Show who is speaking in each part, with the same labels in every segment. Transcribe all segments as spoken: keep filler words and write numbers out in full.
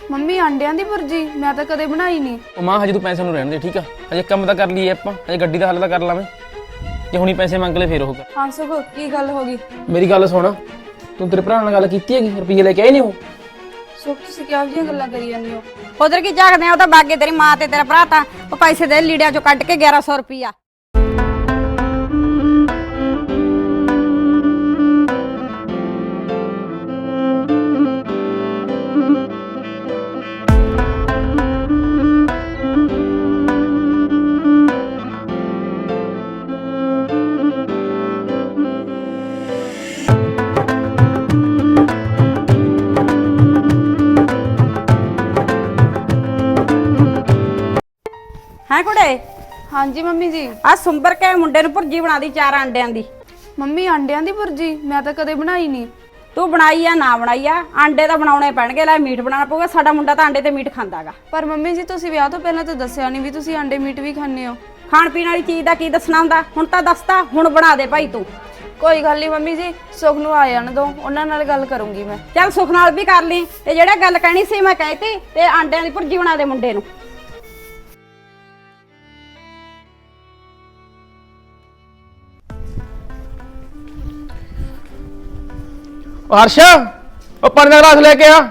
Speaker 1: Mummy ਆਂਡਿਆਂ ਦੀ ਭੁਰਜੀ ਮੈਂ ਤਾਂ ਕਦੇ ਬਣਾਈ ਨਹੀਂ।
Speaker 2: ਉਹ ਮਾਂ ਹਜੇ ਤੂੰ ਪੈਸੇ ਨੂੰ ਰਹਿਣ ਦੇ ਠੀਕ ਆ। ਹਜੇ ਕੰਮ ਤਾਂ ਕਰ ਲਈਏ ਆਪਾਂ, ਹਜੇ ਗੱਡੀ ਦਾ ਹੱਲ ਤਾਂ ਕਰ ਲਾਵੇਂ। ਜੇ ਹੁਣੀ ਪੈਸੇ ਮੰਗ ਲੈ ਫੇਰ ਉਹ ਕਰ।
Speaker 1: ਹਾਂ ਸੁਖ ਕੀ ਗੱਲ ਹੋ ਗਈ?
Speaker 2: ਮੇਰੀ ਗੱਲ ਸੁਣ, ਤੂੰ ਤੇਰੇ ਭਰਾ ਨਾਲ ਗੱਲ ਕੀਤੀ ਹੈਗੀ? ਰੁਪਈਏ ਲੈ ਕੇ ਆਏ ਨਹੀਂ ਉਹ?
Speaker 1: ਸੁਖ ਤੁਸੀਂ ਕਿਹੋ ਜਿਹੀਆਂ ਗੱਲਾਂ ਕਰੀ ਜਾਂਦੇ ਹੋ?
Speaker 3: ਉਧਰ ਕੀ ਝਾਕਦੇ ਆ, ਉਹ ਤਾਂ ਬਾਗੇ ਤੇਰੀ ਮਾਂ ਤੇ ਤੇਰਾ ਭਰਾ ਤਾਂ ਉਹ ਪੈਸੇ ਦੇ ਲੀੜਿਆਂ ਚੋਂ ਕੱਢ ਕੇ ਗਿਆਰਾਂ ਸੌ ਰੁਪਈਆ। ਹੈ ਕੁੜੇ?
Speaker 1: ਹਾਂਜੀ ਮੰਮੀ ਜੀ।
Speaker 3: ਆ ਸੁੰਬਰ ਕੇ ਮੁੰਡੇ ਨੂੰ ਭੁਰਜੀ ਬਣਾ ਦੀ ਚਾਰ ਆਂਡਿਆਂ ਦੀ।
Speaker 1: ਮੰਮੀ ਆਂਡਿਆਂ ਦੀ ਭੁਰਜੀ ਮੈਂ ਤਾਂ ਕਦੇ ਬਣਾਈ ਨਹੀਂ।
Speaker 3: ਤੂੰ ਬਣਾਈ ਆ ਨਾ ਬਣਾਈ ਆ, ਆਂਡੇ ਤਾਂ ਬਣਾਉਣੇ ਪੈਣਗੇ। ਲੈ ਮੀਟ ਬਣਾਉਣਾ ਪਊਗਾ, ਸਾਡਾ ਮੁੰਡਾ ਤਾਂ ਆਂਡੇ ਤੇ ਮੀਟ ਖਾਂਦਾਗਾ।
Speaker 1: ਪਰ ਮੰਮੀ ਜੀ ਤੁਸੀਂ ਵਿਆਹ ਤੋਂ ਪਹਿਲਾਂ ਤਾਂ ਦੱਸਿਆ ਨਹੀਂ ਵੀ ਤੁਸੀਂ ਆਂਡੇ ਮੀਟ ਵੀ ਖਾਂਦੇ ਹੋ।
Speaker 3: ਖਾਣ ਪੀਣ ਵਾਲੀ ਚੀਜ਼ ਦਾ ਕੀ ਦੱਸਣਾ ਹੁੰਦਾ? ਹੁਣ ਤਾਂ ਦੱਸਤਾ, ਹੁਣ ਬਣਾ ਦੇ ਭਾਈ ਤੂੰ।
Speaker 1: ਕੋਈ ਗੱਲ ਨਹੀਂ ਮੰਮੀ ਜੀ, ਸੁਖ ਨੂੰ ਆ ਜਾਣ ਦੋ, ਉਹਨਾਂ ਨਾਲ ਗੱਲ ਕਰੂੰਗੀ ਮੈਂ।
Speaker 3: ਚੱਲ ਸੁਖ ਨਾਲ ਵੀ ਕਰ ਲਈ, ਤੇ ਜਿਹੜਾ ਗੱਲ ਕਹਿਣੀ ਸੀ ਮੈਂ ਕਹਿਤੀ। ਤੇ ਆਂਡਿਆਂ ਦੀ ਭੁਰਜੀ ਬਣਾ ਦੇ ਮੁੰਡੇ ਨੂੰ।
Speaker 2: ਹਰਸ਼ਾ ਉਹ ਪਾਣੀ ਦਾ ਗਲਾਸ ਲੈ ਕੇ ਆ।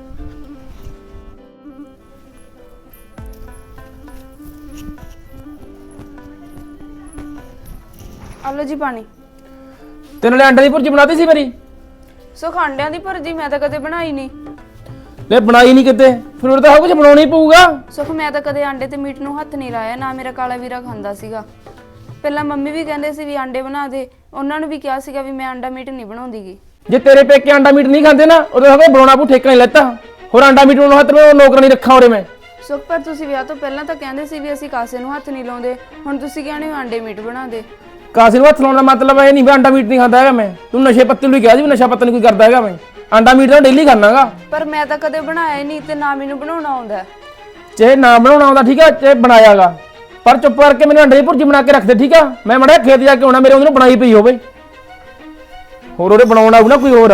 Speaker 1: ਆ ਲਓ ਜੀ ਪਾਣੀ।
Speaker 2: ਤੈਨੂੰ ਲੈ ਅੰਡੇ ਦੀ ਭੁਰਜੀ ਬਣਾਤੀ ਸੀ ਮੇਰੀ?
Speaker 1: ਸੁਖ ਆਂਡਿਆਂ ਦੀ ਭੁਰਜੀ ਮੈਂ ਤਾਂ ਕਦੇ ਬਣਾਈ ਨਹੀਂ।
Speaker 2: ਲੈ ਬਣਾਈ ਨਹੀਂ ਕਿਤੇ, ਫਿਰ ਉਹ ਤਾਂ ਕੁਝ ਬਣਾਉਣਾ ਹੀ ਪਊਗਾ।
Speaker 1: ਸੁਖ ਮੈਂ ਤਾਂ ਕਦੇ ਆਂਡੇ ਤੇ ਮੀਟ ਨੂੰ ਹੱਥ ਨਹੀਂ ਲਾਇਆ, ਨਾ ਮੇਰਾ ਕਾਲਾ ਵੀਰਾ ਖਾਂਦਾ ਸੀਗਾ। ਪਹਿਲਾਂ ਮੰਮੀ ਵੀ ਕਹਿੰਦੇ ਸੀ ਵੀ ਆਂਡੇ ਬਣਾ ਦੇ, ਉਹਨਾਂ ਨੂੰ ਵੀ ਕਿਹਾ ਸੀਗਾ ਵੀ ਮੈਂ ਆਂਡਾ ਮੀਟ ਨਹੀਂ ਬਣਾਉਂਦੀਗੀ।
Speaker 2: ਜੇ ਤੇਰੇ ਪੇਕੇ ਆਂਡਾ ਮੀਟ ਨਹੀਂ ਖਾਂਦੇ ਨਾ, ਉਹਦੇ ਸਭ ਬਣਾਉਣਾ ਪਊ, ਠੇਕਾ ਨਹੀਂ ਲੈਤਾ। ਹੋਰ ਆਂਡਾ ਮੀਟ ਨੂੰ ਹੱਥ ਮੈਂ ਨੌਕਰ ਨਹੀਂ ਰੱਖਾ ਉਰੇ ਮੈਂ।
Speaker 1: ਸੁਖ ਪਰ ਤੁਸੀਂ ਵਿਆਹ ਤੋਂ ਪਹਿਲਾਂ ਤਾਂ ਕਹਿੰਦੇ ਸੀ ਵੀ ਅਸੀਂ ਕਾਸੇ ਨੂੰ ਹੱਥ ਨਹੀਂ ਲਾਉਂਦੇ, ਹੁਣ ਤੁਸੀਂ ਕਹਿੰਦੇ ਹੋ ਆਂਡੇ ਮੀਟ ਬਣਾ ਦੇ।
Speaker 2: ਕਾਸੇ ਨੂੰ ਹੱਥ ਲਾਉਣ ਦਾ ਮਤਲਬ ਇਹ ਨਹੀਂ ਵੀ ਆਂਡਾ ਮੀਟ ਨਹੀਂ ਖਾਂਦਾ ਹੈਗਾ ਮੈਂ। ਤੂੰ ਨਸ਼ੇ ਪੱਤੇ ਨੂੰ ਹੀ ਕਿਹਾ ਸੀ ਵੀ ਨਸ਼ਾ ਪੱਤਾ ਨਹੀਂ ਕੋਈ ਕਰਦਾ ਹੈਗਾ ਮੈਂ। ਆਂਡਾ ਮੀਟ ਤਾਂ ਡੇਲੀ ਖਾਣਾਗਾ।
Speaker 1: ਪਰ ਮੈਂ ਤਾਂ ਕਦੇ ਬਣਾਇਆ ਹੀ ਨਹੀਂ ਤੇ ਨਾ ਮੈਨੂੰ ਬਣਾਉਣਾ ਆਉਂਦਾ।
Speaker 2: ਚਾਹੇ ਨਾ ਬਣਾਉਣਾ ਆਉਂਦਾ ਠੀਕ ਆ, ਚਾਹੇ ਬਣਾਇਆਗਾ, ਪਰ ਚੁੱਪ ਕਰਕੇ ਮੈਨੂੰ ਅੰਡੇ ਦੀ ਭੁਰਜੀ ਬਣਾ ਕੇ ਰੱਖ ਦੇ ਠੀਕ ਆ। ਮੈਂ ਮੜਾ ਖੇਤ ਜਾ ਕੇ ਆਉਣਾ, ਮੇਰੇ ਉਹਨੂੰ ਬਣਾਈ ਪਈ ਹੋਵੇ, ਹੋਰ ਉਹਦੇ ਬਣਾਉਣ ਆਊ ਨਾ ਕੋਈ ਹੋਰ।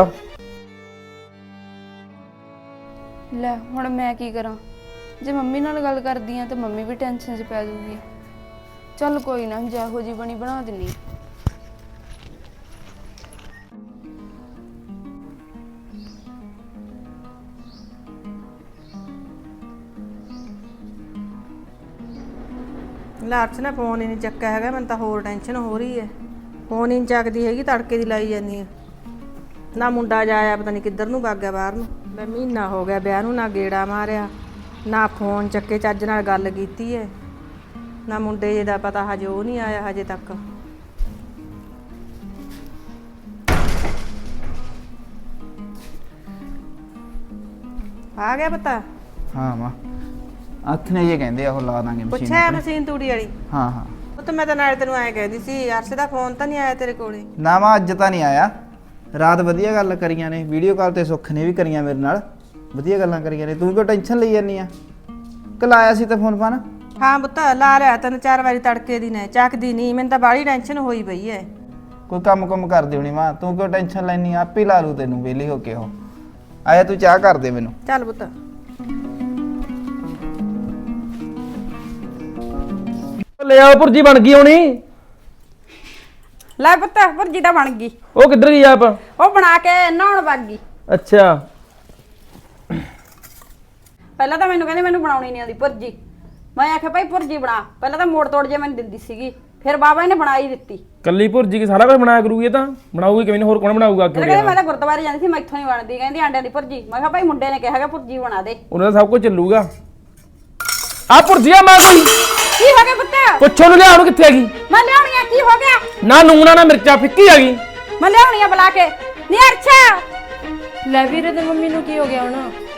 Speaker 1: ਲੈ ਹੁਣ ਮੈਂ ਕੀ ਕਰਾਂ? ਜੇ ਮੰਮੀ ਨਾਲ ਗੱਲ ਕਰਦੀ ਆ ਤੇ ਮੰਮੀ ਵੀ ਟੈਨਸ਼ਨ 'ਚ ਪੈ ਜਾਊਗੀ। ਚੱਲ ਕੋਈ ਨਾ, ਜਿਹੋ ਜੀ ਬਣੀ ਬਣਾ ਦਿੰਨੀ।
Speaker 4: ਲਾਰਚ ਨੇ ਫੋਨ ਹੀ ਨਹੀਂ ਚੱਕਿਆ ਹੈਗਾ, ਮੈਨੂੰ ਤਾਂ ਹੋਰ ਟੈਨਸ਼ਨ ਹੋ ਰਹੀ ਹੈ। ਫੋਨ ਹੀ ਨਹੀਂ ਚੱਕਦੀ ਹੈਗੀ, ਤੜਕੇ ਦੀ ਲਾਈ ਜਾਂਦੀ ਹੈ। ਨਾ ਮੁੰਡਾ ਜਾਇਆ ਪਤਾ ਨਹੀਂ ਕਿੱਧਰ ਨੂੰ ਵਗ ਗਿਆ ਬਾਹਰ ਨੂੰ। ਮੈਂ ਮਹੀਨਾ ਹੋ ਗਿਆ ਵਿਆਹ ਨੂੰ, ਨਾ ਗੇੜਾ ਮਾਰਿਆ, ਨਾ ਫੋਨ ਚੱਕੇ ਚੱਜ ਨਾਲ ਗੱਲ ਕੀਤੀ ਹੈ, ਨਾ ਮੁੰਡੇ ਜੇ ਦਾ ਪਤਾ ਹਜੇ ਉਹ ਨਹੀਂ ਆਇਆ ਹਜੇ ਤੱਕ। ਆ ਗਿਆ ਪਤਾ?
Speaker 5: ਹਾਂ ਮਾਂ ਹੱਥ ਨੇ ਇਹ ਕਹਿੰਦੇ ਆ ਉਹ ਲਾ ਦਾਂਗੇ ਮਸ਼ੀਨ।
Speaker 4: ਪੁੱਛਿਆ ਮਸ਼ੀਨ ਤੂੜੀ ਵਾਲੀ?
Speaker 5: ਹਾਂ ਹਾਂ
Speaker 4: ਉਹ ਤਾਂ ਮੈਂ ਤਾਂ ਨਾਲੇ ਤੈਨੂੰ ਐਂ ਕਹਿੰਦੀ ਸੀ, ਅਰਸ਼ ਦਾ ਫੋਨ ਤਾਂ ਨਹੀਂ ਆਇਆ ਤੇਰੇ ਕੋਲੇ?
Speaker 5: ਨਾ ਮਾਂ ਅੱਜ ਤਾਂ ਨਹੀਂ ਆਇਆ। ਰਾਤ ਵਧੀਆ ਗੱਲ ਕਰੀਆਂ ਨੇ, ਵੀਡੀਓ ਕਾਲ ਤੇ ਸੁੱਖ ਨੇ ਵੀ ਕਰੀਆਂ ਮੇਰੇ ਨਾਲ, ਵਧੀਆ ਗੱਲਾਂ ਕਰੀਆਂ ਨੇ। ਤੂੰ ਕਿਉਂ ਟੈਨਸ਼ਨ ਲਈ ਜਾਂਦੀ ਆ? ਕੱਲ ਆਇਆ ਸੀ ਤਾਂ ਫੋਨ ਫਾਨ?
Speaker 4: ਹਾਂ ਪੁੱਤ ਲਾ ਲਿਆ ਤਿੰਨ ਚਾਰ ਵਾਰੀ ਤੜਕੇ ਦੀ ਨੇ, ਚੱਕਦੀ ਨਹੀਂ। ਮੈਨੂੰ ਤਾਂ ਬਾਹਲੀ ਟੈਨਸ਼ਨ ਹੋਈ ਪਈ ਐ।
Speaker 5: ਕੋਈ ਕੰਮ ਕੁਮ ਕਰਦੀ ਹੋਣੀ ਮਾਂ, ਤੂੰ ਕਿਉਂ ਟੈਨਸ਼ਨ ਲੈਣੀ? ਆਪੇ ਲਾ ਲੂ ਤੈਨੂੰ ਵਿਹਲੀ ਹੋ ਕੇ। ਉਹ ਆਇਆ ਤੂੰ ਚਾਹ ਕਰ ਦੇ ਮੈਨੂੰ।
Speaker 4: ਚੱਲ ਪੁੱਤ।
Speaker 2: ਲੈ ਆਓ ਭੁਰਜੀ ਬਣ ਗਈ ਹੋਣੀ।
Speaker 3: ਲੈ ਪੁੱਤ ਭੁਰਜੀ ਤਾਂ ਬਣ ਗਈ।
Speaker 2: ਉਹ ਕਿੱਧਰ ਗਈ ਆਪ?
Speaker 3: ਉਹ ਬਣਾ ਕੇ ਨਹਾਉਣ ਵਗ ਗਈ।
Speaker 2: ਅੱਛਾ
Speaker 3: ਪਹਿਲਾਂ ਤਾਂ ਮੈਨੂੰ ਕਹਿੰਦੀ ਮੈਨੂੰ ਬਣਾਉਣੀ ਨਹੀਂ ਆਉਂਦੀ ਭੁਰਜੀ। ਮੈਂ ਆਖਿਆ ਭਾਈ ਭੁਰਜੀ ਬਣਾ। ਪਹਿਲਾਂ ਤਾਂ ਮੋੜ ਤੋੜ ਜੇ ਮੈਨੂੰ ਦਿੰਦੀ ਸੀਗੀ, ਫਿਰ ਬਾਬਾ ਇਹਨੇ ਬਣਾ ਹੀ ਦਿੱਤੀ।
Speaker 2: ਕੱਲੀ ਭੁਰਜੀ ਕੀ ਸਾਰਾ ਕੁਝ ਬਣਾਇਆ ਕਰੂਗੀ? ਇਹ ਤਾਂ ਬਣਾਊਗੀ ਕਿਵੇਂ? ਹੋਰ ਕੌਣ ਬਣਾਊਗਾ ਅੱਗੇ?
Speaker 3: ਕਹਿੰਦੇ ਮੈਂ ਤਾਂ ਗੁਰਦੁਆਰੇ ਜਾਂਦੀ ਸੀ, ਮੈਥੋਂ ਨਹੀਂ ਬਣਦੀ। ਕਹਿੰਦੀ ਆਂਡਿਆਂ ਦੀ ਭੁਰਜੀ। ਮੈਂ ਕਿਹਾ ਭਾਈ ਮੁੰਡੇ ਨੇ ਕਿਹਾ ਕਿ ਭੁਰਜੀ ਬਣਾ ਦੇ।
Speaker 2: ਉਹਨਾਂ ਦਾ ਸਭ ਕੁਝ ਚੱਲੂਗਾ। ਆ ਭੁਰਜੀਆ ਮਾਂ ਕੋਈ
Speaker 3: ਕੀ ਹੋ ਗਿਆ ਪੁੱਤ?
Speaker 2: ਪੁੱਛੋ ਨੂੰ ਲਿਆ, ਉਹਨੂੰ ਕਿੱਥੇ ਹੈਗੀ?
Speaker 3: ਮੈਂ ਲਿਆਉਣੀ ਆ। ਕੀ ਹੋ ਗਿਆ?
Speaker 2: ਨਾ ਨੂਣਾ ਨਾ ਮਿਰਚਾ, ਫਿੱਕੀ ਹੈਗੀ।
Speaker 3: ਮੈਂ ਲਿਆਉਣੀ ਆ ਬੁਲਾ ਕੇ। ਨੀ ਅਰਛਾ।
Speaker 1: ਲੈ ਵੀਰੇ ਤੇ ਮੰਮੀ ਨੂੰ ਕੀ ਹੋ ਗਿਆ ਹੁਣ?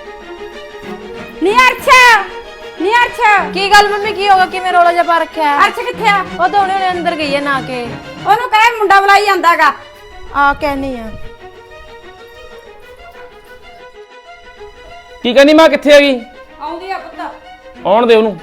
Speaker 3: ਨੀ ਅਰਛਾ। ਨੀ ਅਰਛਾ।
Speaker 1: ਕੀ ਗੱਲ ਮੰਮੀ ਕੀ ਹੋਗਾ? ਕਿਵੇਂ ਰੋਲਾ ਜਿਹਾ ਪਾ ਰੱਖਿਆ?
Speaker 3: ਅਰਛਾ ਕਿੱਥੇ ਆ?
Speaker 1: ਉਹ ਤਾਂ ਉਹਨੇ ਅੰਦਰ ਗਈ ਹੈ ਨਾ ਕੇ।
Speaker 3: ਉਹਨੂੰ ਕਹੇ ਮੁੰਡਾ ਬੁਲਾਈ ਜਾਂਦਾਗਾ।
Speaker 1: ਆ ਕਹਿਨੀ ਆ।
Speaker 2: ਕੀ ਕਹਿੰਦੀ ਮਾਂ? ਕਿੱਥੇ ਹੈਗੀ?
Speaker 3: ਆਉਂਦੀ ਆ ਪੁੱਤ।
Speaker 2: ਆਉਣ ਦੇ ਉਹਨੂੰ।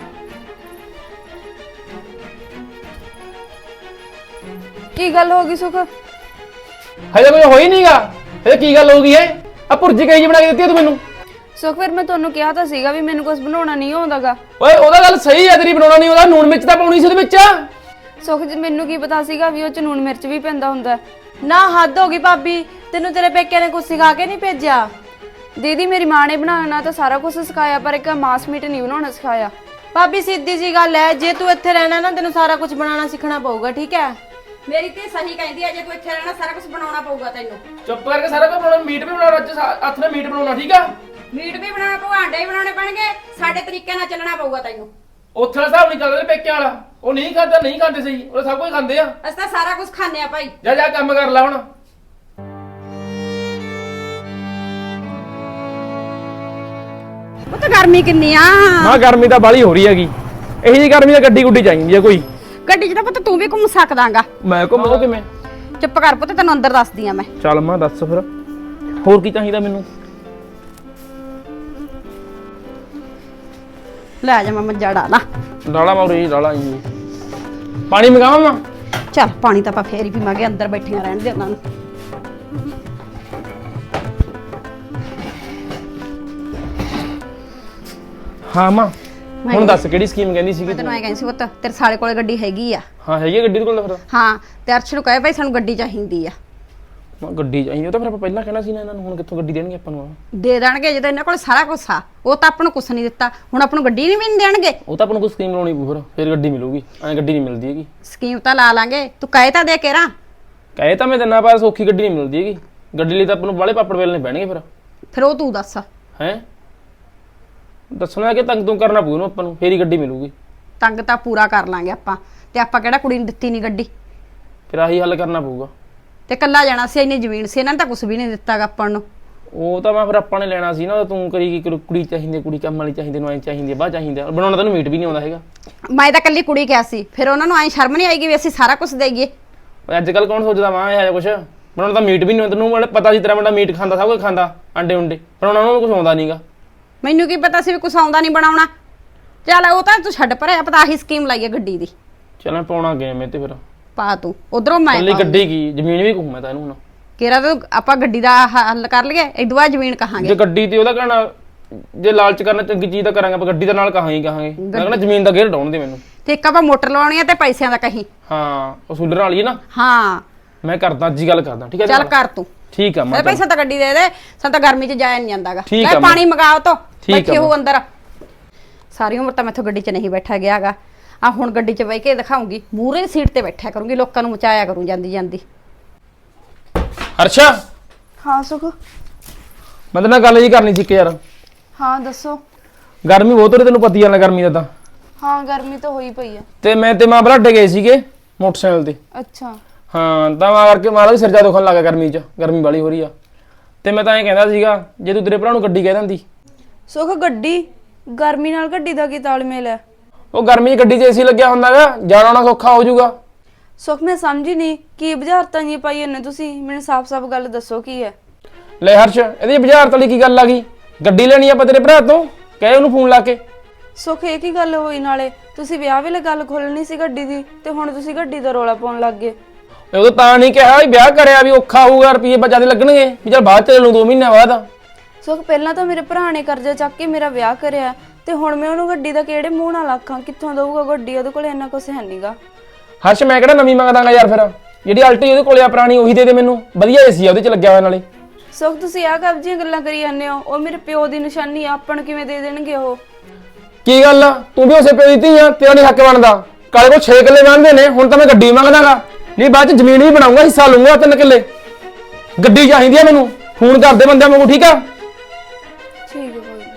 Speaker 1: ਕੀ ਗੱਲ ਹੋ ਗਈ ਸੁਖ?
Speaker 2: ਹਜੇ ਕੁਝ ਹੋਈ ਨਹੀਂਗਾ। ਇਹ ਕੀ ਗੱਲ ਹੋ ਗਈ ਹੈ? ਆ ਭੁਰਜੀ ਕਹੀ ਜੀ ਬਣਾ ਕੇ ਦਿੱਤੀ ਤੂੰ ਮੈਨੂੰ?
Speaker 1: ਸੁਖ ਫਿਰ ਮੈਂ ਤੁਹਾਨੂੰ ਕਿਹਾ ਤਾਂ ਸੀਗਾ ਵੀ ਮੈਨੂੰ ਕੁਝ ਬਣਾਉਣਾ ਨਹੀਂ ਆਉਂਦਾਗਾ।
Speaker 2: ਓਏ ਉਹਦਾ ਗੱਲ ਸਹੀ ਹੈ ਤੇਰੀ, ਬਣਾਉਣਾ ਨਹੀਂ ਉਹਦਾ, ਨੂਣ ਮਿਰਚ ਤਾਂ ਪਾਉਣੀ ਸੀ ਉਹਦੇ ਵਿੱਚ।
Speaker 1: ਸੁਖ ਜੀ ਮੈਨੂੰ ਕੀ ਪਤਾ ਸੀਗਾ ਵੀ ਉਹ ਚ ਨੂਣ ਮਿਰਚ ਵੀ ਪੈਂਦਾ ਹੁੰਦਾ।
Speaker 6: ਨਾ ਹੱਦ ਹੋ ਗਈ ਭਾਬੀ, ਤੈਨੂੰ ਤੇਰੇ ਪੇਕਿਆਂ ਨੇ ਕੁਝ ਸਿਖਾ ਕੇ ਨਹੀਂ ਭੇਜਿਆ?
Speaker 1: ਦੀਦੀ ਮੇਰੀ ਮਾਂ ਨੇ ਬਣਾਉਣਾ ਤਾਂ ਸਾਰਾ ਕੁਝ ਸਿਖਾਇਆ, ਪਰ ਇੱਕ ਮਾਸ ਮੀਟ ਨਹੀਂ ਬਣਾਉਣਾ ਸਿਖਾਇਆ।
Speaker 6: ਭਾਬੀ ਸਿੱਧੀ ਜੀ ਗੱਲ ਹੈ, ਜੇ ਤੂੰ ਇੱਥੇ ਰਹਿਣਾ ਨਾ ਤੈਨੂੰ ਸਾਰਾ ਕੁਝ ਬਣਾਉਣਾ ਸਿੱਖਣਾ ਪਊਗਾ, ਠੀਕ ਹੈ?
Speaker 3: ਮੇਰੀ ਤੇ ਸਹੀ ਕਹਿੰਦੀ ਹੈ, ਜੇ ਤੂੰ ਇੱਥੇ ਰਹਿਣਾ ਸਾਰਾ ਕੁਝ ਬਣਾਉਣਾ ਪਊਗਾ ਤੈਨੂੰ।
Speaker 2: ਚੁੱਪ ਕਰਕੇ ਸਾਰਾ ਕੁਝ ਬਣਾਉਣਾ, ਮੀਟ ਵੀ ਬਣਾਉਣਾ, ਅੱਜ ਹੱਥ ਨਾਲ ਮੀਟ ਬਣਾਉਣਾ, ਠੀਕ ਆ?
Speaker 3: ਮੀਟ ਵੀ ਬਣਾਉਣਾ ਪਊ, ਆਂਡੇ ਵੀ ਬਣਾਉਣੇ ਪੈਣਗੇ, ਸਾਡੇ ਤਰੀਕੇ ਨਾਲ ਚੱਲਣਾ ਪਊਗਾ ਤੈਨੂੰ।
Speaker 2: ਉੱਥੇ ਵਾਲਾ ਹਿਸਾਬ ਨਹੀਂ ਚੱਲਦਾ ਤੇਰੇ ਪੇਕਿਆਂ ਵਾਲਾ, ਉਹ ਨਹੀਂ ਖਾਂਦਾ, ਨਹੀਂ ਖਾਂਦੇ ਸਹੀ, ਉਹ ਸਭ ਕੁਝ ਖਾਂਦੇ ਆ।
Speaker 3: ਅਸੀਂ ਤਾਂ ਸਾਰਾ ਕੁਝ ਖਾਂਦੇ ਆ ਭਾਈ।
Speaker 2: ਜਾ ਜਾ ਕੰਮ ਕਰ ਲੈ ਹੁਣ।
Speaker 3: ਉਹ ਤਾਂ ਗਰਮੀ ਕਿੰਨੀ ਆ।
Speaker 2: ਮਾਂ ਗਰਮੀ ਤਾਂ ਬਾਲੀ ਹੋ ਰਹੀ ਹੈਗੀ, ਇਹੀ ਜੀ ਗਰਮੀ ਤਾਂ ਗੱਡੀ ਗੁੱਡੀ ਚਾਹੀਦੀ ਹੈ ਕੋਈ।
Speaker 3: ਗੱਡੀ 'ਚ ਤਾਂ ਪੁੱਤ ਤੂੰ ਵੀ ਘੁੰਮ ਸਕਦਾਗਾ।
Speaker 2: ਮੈਂ ਘੁੰਮਦਾ ਕਿਵੇਂ?
Speaker 3: ਚੁੱਪ ਕਰ ਪੁੱਤ, ਤੈਨੂੰ ਅੰਦਰ ਦੱਸਦੀ ਆ ਮੈਂ।
Speaker 2: ਚੱਲ ਮਾਂ ਦੱਸ ਫਿਰ, ਹੋਰ ਕੀ ਚਾਹੀਦਾ ਮੈਨੂੰ?
Speaker 3: ਲੈ ਜਾ ਮੈਂ ਮੱਝਾ ਡਾਲਾ।
Speaker 2: ਡਾਲਾ ਮਾਰੀ ਡਾਲਾ ਜੀ, ਪਾਣੀ ਮੰਗਾਵਾਂ ਮਾਂ?
Speaker 3: ਚੱਲ ਪਾਣੀ ਤਾਂ ਆਪਾਂ ਫੇਰ ਹੀ ਪੀਵਾਂਗੇ, ਅੰਦਰ ਬੈਠੀਆਂ ਰਹਿਣ ਦੇ ਉਹਨਾਂ ਨੂੰ।
Speaker 2: ਹਾਂ ਮਾਂ ਹੁਣ ਦੱਸ ਕਿਹੜੀ ਸਕੀਮ ਕਹਿੰਦੀ ਸੀਗੀ
Speaker 3: ਮੈਂ
Speaker 2: ਤੂੰ?
Speaker 3: ਤੈਨੂੰ ਐ ਕਹਿੰਦੀ ਸੀ ਪੁੱਤ, ਤੇਰੇ ਸਾਲੇ ਕੋਲੇ ਗੱਡੀ ਹੈਗੀ ਆ।
Speaker 2: ਹਾਂ ਹੈਗੀ ਆ ਗੱਡੀ ਦੇ ਕੋਲ ਫਿਰ?
Speaker 3: ਹਾਂ, ਤੇ ਅਰਸ਼ ਨੂੰ ਕਹੇ ਭਾਈ ਸਾਨੂੰ ਗੱਡੀ ਚਾਹੀਦੀ ਆ।
Speaker 2: ਮਾਂ ਗੱਡੀ ਚਾਹੀਦੀ, ਉਹ ਤਾਂ ਫਿਰ ਆਪਾਂ ਪਹਿਲਾਂ ਕਹਿਣਾ ਸੀ ਨਾ ਇਹਨਾਂ ਨੂੰ, ਹੁਣ ਕਿੱਥੋਂ ਗੱਡੀ ਦੇਣਗੇ ਆਪਾਂ ਨੂੰ?
Speaker 3: ਦੇ ਦੇਣਗੇ ਜਦੋਂ ਇਹਨਾਂ ਕੋਲ ਸਾਰਾ ਕੁਝ ਆ। ਉਹ ਤਾਂ ਆਪਾਂ ਨੂੰ ਕੁਝ ਨਹੀਂ ਦਿੱਤਾ, ਹੁਣ ਆਪਾਂ ਨੂੰ ਗੱਡੀ ਨਹੀਂ ਵੀ ਨਹੀਂ ਦੇਣਗੇ।
Speaker 2: ਉਹ ਤਾਂ ਆਪਾਂ ਨੂੰ ਕੋਈ ਸਕੀਮ ਲਾਉਣੀ ਪਊ ਫਿਰ, ਫਿਰ ਗੱਡੀ ਮਿਲੂਗੀ, ਐਂ ਗੱਡੀ ਨਹੀਂ ਮਿਲਦੀ ਹੈਗੀ।
Speaker 3: ਸਕੀਮ ਤਾਂ ਲਾ ਲਾਂਗੇ, ਤੂੰ ਕਹੇ ਤਾਂ ਦੇ ਕੇਰਾ।
Speaker 2: ਕਹੇ ਤਾਂ ਮੈਂ ਦਿਨਾਂ ਬਾਅਦ ਸੌਖੀ ਗੱਡੀ ਨਹੀਂ ਮਿਲਦੀ ਹੈਗੀ, ਗੱਡੀ ਲਈ ਤਾਂ ਆਪਾਂ ਨੂੰ ਬਾਲੇ ਪਾਪੜ ਵੇਲਣੇ ਪੈਣਗੇ ਫਿਰ।
Speaker 3: ਫਿਰ ਉਹ ਤੂੰ ਦੱਸ।
Speaker 2: ਹੈ ਦੱਸਣਾ ਕਿ ਤੰਗ ਤੂੰ ਕਰਨਾ ਪਊ ਨਾ ਆਪਾਂ ਨੂੰ, ਫੇਰ ਹੀ ਗੱਡੀ ਮਿਲੂਗੀ।
Speaker 3: ਤੰਗ ਤਾਂ ਪੂਰਾ ਕਰ ਲਾਂਗੇ ਆਪਾਂ, ਤੇ ਆਪਾਂ ਕਿਹੜਾ ਕੁੜੀ ਨੂੰ ਦਿੱਤੀ ਨਹੀਂ ਗੱਡੀ?
Speaker 2: ਫਿਰ ਆਹੀ ਹੱਲ ਕਰਨਾ ਪਊਗਾ।
Speaker 3: ਤੇ ਕੱਲਾ ਜਾਣਾ ਸੀ, ਇੰਨੀ ਜ਼ਮੀਨ ਸੀ, ਇਹਨਾਂ ਨੇ ਤਾਂ ਕੁਝ ਵੀ ਨਹੀਂ ਦਿੱਤਾਗਾ ਆਪਾਂ ਨੂੰ।
Speaker 2: ਉਹ ਤਾਂ ਮੈਂ ਫਿਰ ਆਪਾਂ ਨੇ ਲੈਣਾ ਸੀ ਨਾ, ਤੂੰ ਕਰੀ ਕੀ ਕੁੜੀ- ਕੁੜੀ ਚਾਹੀਦੀ, ਕੁੜੀ ਕੰਮ ਵਾਲੀ ਚਾਹੀਦੀ, ਨੂੰ ਐਂ ਚਾਹੀਦੀ, ਬਾਹ ਚਾਹੀਦੀ, ਬਣਾਉਣਾ ਤੈਨੂੰ ਮੀਟ ਵੀ ਨਹੀਂ ਆਉਂਦਾ ਹੈਗਾ।
Speaker 3: ਮੈਂ ਤਾਂ ਕੱਲੀ ਕੁੜੀ ਕਿਹਾ ਸੀ, ਫਿਰ ਉਹਨਾਂ ਨੂੰ ਐਂ ਸ਼ਰਮ ਨਹੀਂ ਆਏਗੀ ਵੀ ਅਸੀਂ ਸਾਰਾ ਕੁਝ ਦੇਈਏ?
Speaker 2: ਅੱਜ ਕੱਲ ਕੌਣ ਸੋਚਦਾ ਮਾਂ ਇਹ ਜਿਹਾ ਕੁਛ? ਬਣਾਉਣਾ ਤਾਂ ਮੀਟ ਵੀ ਨਹੀਂ ਆਉਂਦਾ, ਤੈਨੂੰ ਮਤਲਬ ਪਤਾ ਸੀ ਤੇਰਾ ਮੁੰਡਾ ਮੀਟ ਖਾਂਦਾ, ਸਭ ਕੁਝ ਖਾਂਦਾ, ਅੰਡੇ ਉਂਡੇ, ਬਣਾਉਣਾ ਉਹਨੂੰ ਕੁਝ ਆਉਂਦਾ ਨਹੀਂਗਾ।
Speaker 3: ਮੈਨੂੰ ਕੀ ਪਤਾ ਸੀ ਵੀ ਕੁਝ ਆਉਂਦਾ ਨਹੀਂ ਬਣਾਉਣਾ। ਚੱਲ ਉਹ ਤਾਂ ਤੂੰ ਛੱਡ ਪਰੇ, ਆਪਾਂ ਤਾਂ ਆਹੀ ਸਕੀਮ ਲਾਈਏ ਗੱਡੀ ਦੀ।
Speaker 2: ਚੱਲ ਮੈਂ ਪਾਉਣਾ ਗਿਆ ਮੈਂ ਤੇ ਫਿਰ
Speaker 3: ਪਾ ਤੂੰ ਉਧਰੋਂ, ਮੈਂ
Speaker 2: ਕੱਲੀ ਗੱਡੀ ਕੀ ਜ਼ਮੀਨ ਵੀ ਕਹੂੰ ਮੈਂ ਤਾਂ ਇਹਨੂੰ ਹੁਣ।
Speaker 3: ਕਿਹੜਾ ਤਾਂ ਆਪਾਂ ਗੱਡੀ ਦਾ ਹੱਲ ਕਰ ਲਈਏ, ਇਦੋਂ ਬਾਅਦ ਜ਼ਮੀਨ ਕਹਾਂਗੇ।
Speaker 2: ਜੇ ਗੱਡੀ ਤੇ ਉਹਦਾ ਕਹਿਣਾ, ਜੇ ਲਾਲਚ ਕਰਨਾ ਚੰਗੀ ਚੀਜ਼ ਤਾਂ ਕਰਾਂਗੇ, ਆਪਾਂ ਗੱਡੀ ਦਾ ਨਾਲ ਕਹਾਂਗੇ ਕਹਾਂਗੇ ਮੈਂ ਕਹਿੰਦਾ ਜ਼ਮੀਨ ਦਾ ਗੇਰ ਡਾਉਣ ਦੇ ਮੈਨੂੰ।
Speaker 3: ਤੇ ਇੱਕ ਆਪਾਂ ਮੋਟਰ ਲਵਾਉਣੀ ਆ ਤੇ ਪੈਸਿਆਂ ਦਾ ਕਹੀਂ।
Speaker 2: ਹਾਂ ਉਹ ਸੂਲਰ ਵਾਲੀ ਹੈ ਨਾ।
Speaker 3: ਹਾਂ
Speaker 2: ਮੈਂ ਕਰਦਾ ਅੱਜ ਹੀ ਗੱਲ ਕਰਦਾ, ਠੀਕ ਹੈ?
Speaker 3: ਚੱਲ ਕਰ ਤੂੰ।
Speaker 2: ਠੀਕ ਆ ਮਾਂ।
Speaker 3: ਇਹ ਪੈਸਾ ਤਾਂ ਗੱਡੀ ਦੇ ਦੇ, ਸਾਨੂੰ ਤਾਂ ਗਰਮੀ 'ਚ ਜਾਇਆ ਨਹੀਂ ਜਾਂਦਾਗਾ।
Speaker 2: ਠੀਕ ਆ
Speaker 3: ਲੈ ਪਾਣੀ ਮੰਗਾਓ ਤੋ,
Speaker 2: ਠੀਕ ਆ
Speaker 3: ਬੈਠੀ ਹੋ ਅੰਦਰ। ਸਾਰੀ ਉਮਰ ਤਾਂ ਮੈਥੋਂ ਗੱਡੀ 'ਚ ਨਹੀਂ ਬੈਠਾ ਗਿਆਗਾ, ਆ ਹੁਣ ਗੱਡੀ 'ਚ ਬਹਿ ਕੇ ਦਿਖਾਉਂਗੀ, ਮੂਹਰੇ ਸੀਟ ਤੇ ਬੈਠਿਆ ਕਰੂੰਗੀ, ਲੋਕਾਂ ਨੂੰ ਮਚਾਇਆ ਕਰੂੰ ਜਾਂਦੀ ਜਾਂਦੀ।
Speaker 2: ਹਰਸ਼ਾ
Speaker 1: ਹਾਂ ਸੁਖ।
Speaker 2: ਮੈਂ ਤੇਰੇ ਨਾਲ ਗੱਲ ਜੀ ਕਰਨੀ ਸੀ ਇੱਕ ਯਾਰ।
Speaker 1: ਹਾਂ ਦੱਸੋ।
Speaker 2: ਗਰਮੀ ਬਹੁਤ ਹੋ ਰਹੀ, ਤੈਨੂੰ ਪਤੀ ਆ ਨਾ ਗਰਮੀ ਦਾ ਤਾਂ।
Speaker 1: ਹਾਂ ਗਰਮੀ ਤਾਂ ਹੋਈ ਪਈ ਆ।
Speaker 2: ਤੇ ਮੈਂ ਤੇ ਮਾਂ ਬਲਾਡੇ ਗਏ ਸੀਗੇ ਮੋਟਰਸਾਈਕਲ ਤੇ।
Speaker 1: ਅੱਛਾ।
Speaker 2: ਹਾਂ ਤਾਂ ਮੈਂ ਕਰਕੇ ਮਾਰਾ ਵੀ ਸਿਰ ਜਾ ਦੁਖਣ ਲੱਗਾ ਗਰਮੀ 'ਚ, ਗਰਮੀ ਵਾਲੀ ਹੋ ਰਹੀ ਆ। ਤੇ ਮੈਂ ਤਾਂ ਐਂ ਕਹਿੰਦਾ ਸੀਗਾ ਜੇ ਤੂੰ ਤੇਰੇ ਭਰਾ ਨੂੰ ਗੱਡੀ ਕਹਿ ਦਿੰਦੀ।
Speaker 1: ਸੁਖ ਗੱਡੀ, ਗਰਮੀ ਨਾਲ ਗੱਡੀ ਦਾ ਕੀ ਤਾਲਮੇਲ ਹੈ?
Speaker 2: ਉਹ ਗਰਮੀ 'ਚ ਗੱਡੀ 'ਚ ਏਸੀ ਲੱਗਿਆ ਹੁੰਦਾਗਾ, ਜਾਣਾ ਆਉਣਾ ਸੌਖਾ ਹੋ ਜਾਊਗਾ।
Speaker 1: ਸੁਖ ਮੈਂ ਸਮਝੀ ਨਹੀਂ, ਕੀ ਬੁਝਾਰਤਾਂ ਜੀ ਪਾਈ ਇਹਨੇ ਤੁਸੀਂ? ਮੈਨੂੰ ਸਾਫ਼-ਸਾਫ਼ ਗੱਲ ਦੱਸੋ ਕੀ ਹੈ?
Speaker 2: ਲੈ ਹਰਸ਼, ਇਹਦੀ ਬੁਝਾਰਤ ਵਾਲੀ ਕੀ ਗੱਲ ਆ ਗਈ? ਗੱਡੀ ਲੈਣੀ ਆਪਾਂ ਤੇਰੇ ਭਰਾ ਤੋਂ, ਕਹੇ ਉਹਨੂੰ ਫੋਨ ਲਾ ਕੇ।
Speaker 1: ਸੁਖ ਇਹ ਕੀ ਗੱਲ ਹੋਈ? ਨਾਲੇ ਤੁਸੀਂ ਵਿਆਹ ਵੇਲੇ ਗੱਲ ਖੋਲਣੀ ਸੀ ਗੱਡੀ ਦੀ, ਤੇ ਹੁਣ ਤੁਸੀਂ ਗੱਡੀ ਦਾ ਰੋਲਾ ਪਾਉਣ ਲੱਗ ਗਏ।
Speaker 2: ਉਦੋਂ ਤਾਂ ਨਹੀਂ ਕਿਹਾ ਵੀ ਵਿਆਹ ਕਰਿਆ ਵੀ ਔਖਾ ਹੋਊਗਾ, ਰੁਪਈਏ ਬੱਚਾ ਦੇ ਲੱਗਣਗੇ, ਵੀ ਚੱਲ ਬਾਅਦ ਚ ਲੈ ਲੂੰ ਦੋ ਮਹੀਨਿਆਂ ਬਾਅਦ।
Speaker 1: ਸੁਖ ਪਹਿਲਾਂ ਤਾਂ ਮੇਰੇ ਭਰਾ ਨੇ ਕਰਜ਼ਾ ਚੱਕ ਕੇ ਮੇਰਾ ਵਿਆਹ ਕਰਿਆ, ਤੇ ਹੁਣ ਮੈਂ ਉਹਨੂੰ ਗੱਡੀ ਦਾ ਕਿਹੜੇ ਮੂੰਹ ਨਾਲ ਆਖਾਂ? ਕਿੱਥੋਂ ਦਊਗਾ ਗੱਡੀ? ਉਹਦੇ ਕੋਲ ਇੰਨਾ ਕੁਛ ਹੈ ਨਹੀਂਗਾ।
Speaker 2: ਹਰਸ਼ ਮੈਂ ਕਿਹੜਾ ਨਵੀਂ ਮੰਗਦਾਗਾ ਯਾਰ, ਫਿਰ ਜਿਹੜੀ ਅਲਟੀ ਉਹਦੇ ਕੋਲੇ ਆ ਪੁਰਾਣੀ ਉਹੀ ਦੇ ਦੇ ਮੈਨੂੰ, ਵਧੀਆ ਏਸੀ ਆ ਉਹਦੇ ਚ ਲੱਗਿਆ ਹੋਇਆ ਨਾਲੇ।
Speaker 1: ਸੁਖ ਤੁਸੀਂ ਆਹ ਕਬਜੀਆਂ ਗੱਲਾਂ ਕਰੀ ਜਾਂਦੇ ਹੋ, ਉਹ ਮੇਰੇ ਪਿਓ ਦੀ ਨਿਸ਼ਾਨੀ ਆ, ਆਪਾਂ ਨੂੰ ਕਿਵੇਂ ਦੇ ਦੇਣਗੇ ਉਹ?
Speaker 2: ਕੀ ਗੱਲ ਆ, ਤੂੰ ਵੀ ਉਸੇ ਪਿਓ ਦੀ ਧੀ ਆ, ਤੇਰਾ ਨਹੀਂ ਹੱਕ ਬਣਦਾ। ਕਾਲੇ ਕੋਲ ਛੇ ਕਿੱਲੇ ਬਣਦੇ ਨੇ, ਹੁਣ ਤਾਂ ਮੈਂ ਗੱਡੀ ਮੰਗਦਾਗਾ, ਨਹੀਂ ਬਾਅਦ ਚ ਜ਼ਮੀਨ ਵੀ ਬਣਾਉਂਗਾ, ਹਿੱਸਾ ਲੂੰਗਾ ਤਿੰਨ ਕਿੱਲੇ। ਗੱਡੀ ਚਾਹੀਦੀ ਆ ਮੈਨੂੰ, ਫੋਨ ਕਰਦੇ ਬੰਦਿਆਂ ਵਾਂਗੂ, ਠੀਕ ਆ?
Speaker 1: ਠੀਕ ਹੈ ਕੋਈ ਨੀ।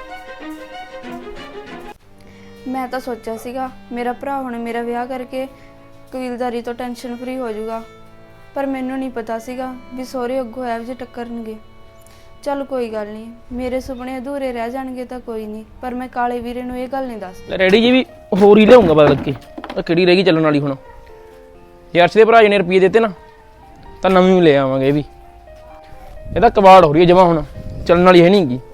Speaker 1: ਮੈਂ ਤਾਂ ਸੋਚਿਆ ਸੀਗਾ ਮੇਰਾ ਭਰਾ ਹੁਣ ਮੇਰਾ ਵਿਆਹ ਕਰਕੇ ਕਬੀਲਦਾਰੀ ਤੋਂ ਟੈਨਸ਼ਨ ਫਰੀ ਹੋ ਜਾਊਗਾ, ਪਰ ਮੈਨੂੰ ਨਹੀਂ ਪਤਾ ਸੀਗਾ ਵੀ ਸਹੁਰੇ ਅੱਗੋਂ ਇਹੋ ਜਿਹੇ ਟੱਕਰਨਗੇ। ਚੱਲ ਕੋਈ ਗੱਲ ਨਹੀਂ, ਮੇਰੇ ਸੁਪਨੇ ਅਧੂਰੇ ਰਹਿ ਜਾਣਗੇ ਤਾਂ ਕੋਈ ਨਹੀਂ, ਪਰ ਮੈਂ ਕਾਲੇ ਵੀਰੇ ਨੂੰ ਇਹ ਗੱਲ ਨਹੀਂ ਦੱਸਦੀ।
Speaker 2: ਰੈਡੀ ਜੀ ਵੀ ਹੋਰ ਹੀ ਲਿਆਉਂਗਾ ਬਦਲ ਕੇ, ਉਹ ਕਿਹੜੀ ਰਹਿ ਗਈ ਚੱਲਣ ਵਾਲੀ ਹੁਣ। ਯਾਰਸ਼ ਦੇ ਭਰਾ ਜੀ ਨੇ ਰੁਪਈਏ ਦਿੱਤੇ ਨਾ, ਤਾਂ ਨਵੀਂ ਲੈ ਆਵਾਂਗੇ ਇਹ ਵੀ। ਇਹਦਾ ਕਬਾੜ ਹੋ ਰਹੀ ਹੈ ਜਮਾ, ਹੁਣ ਚੱਲਣ ਵਾਲੀ ਹੈ ਨਹੀਂ ਗੀ।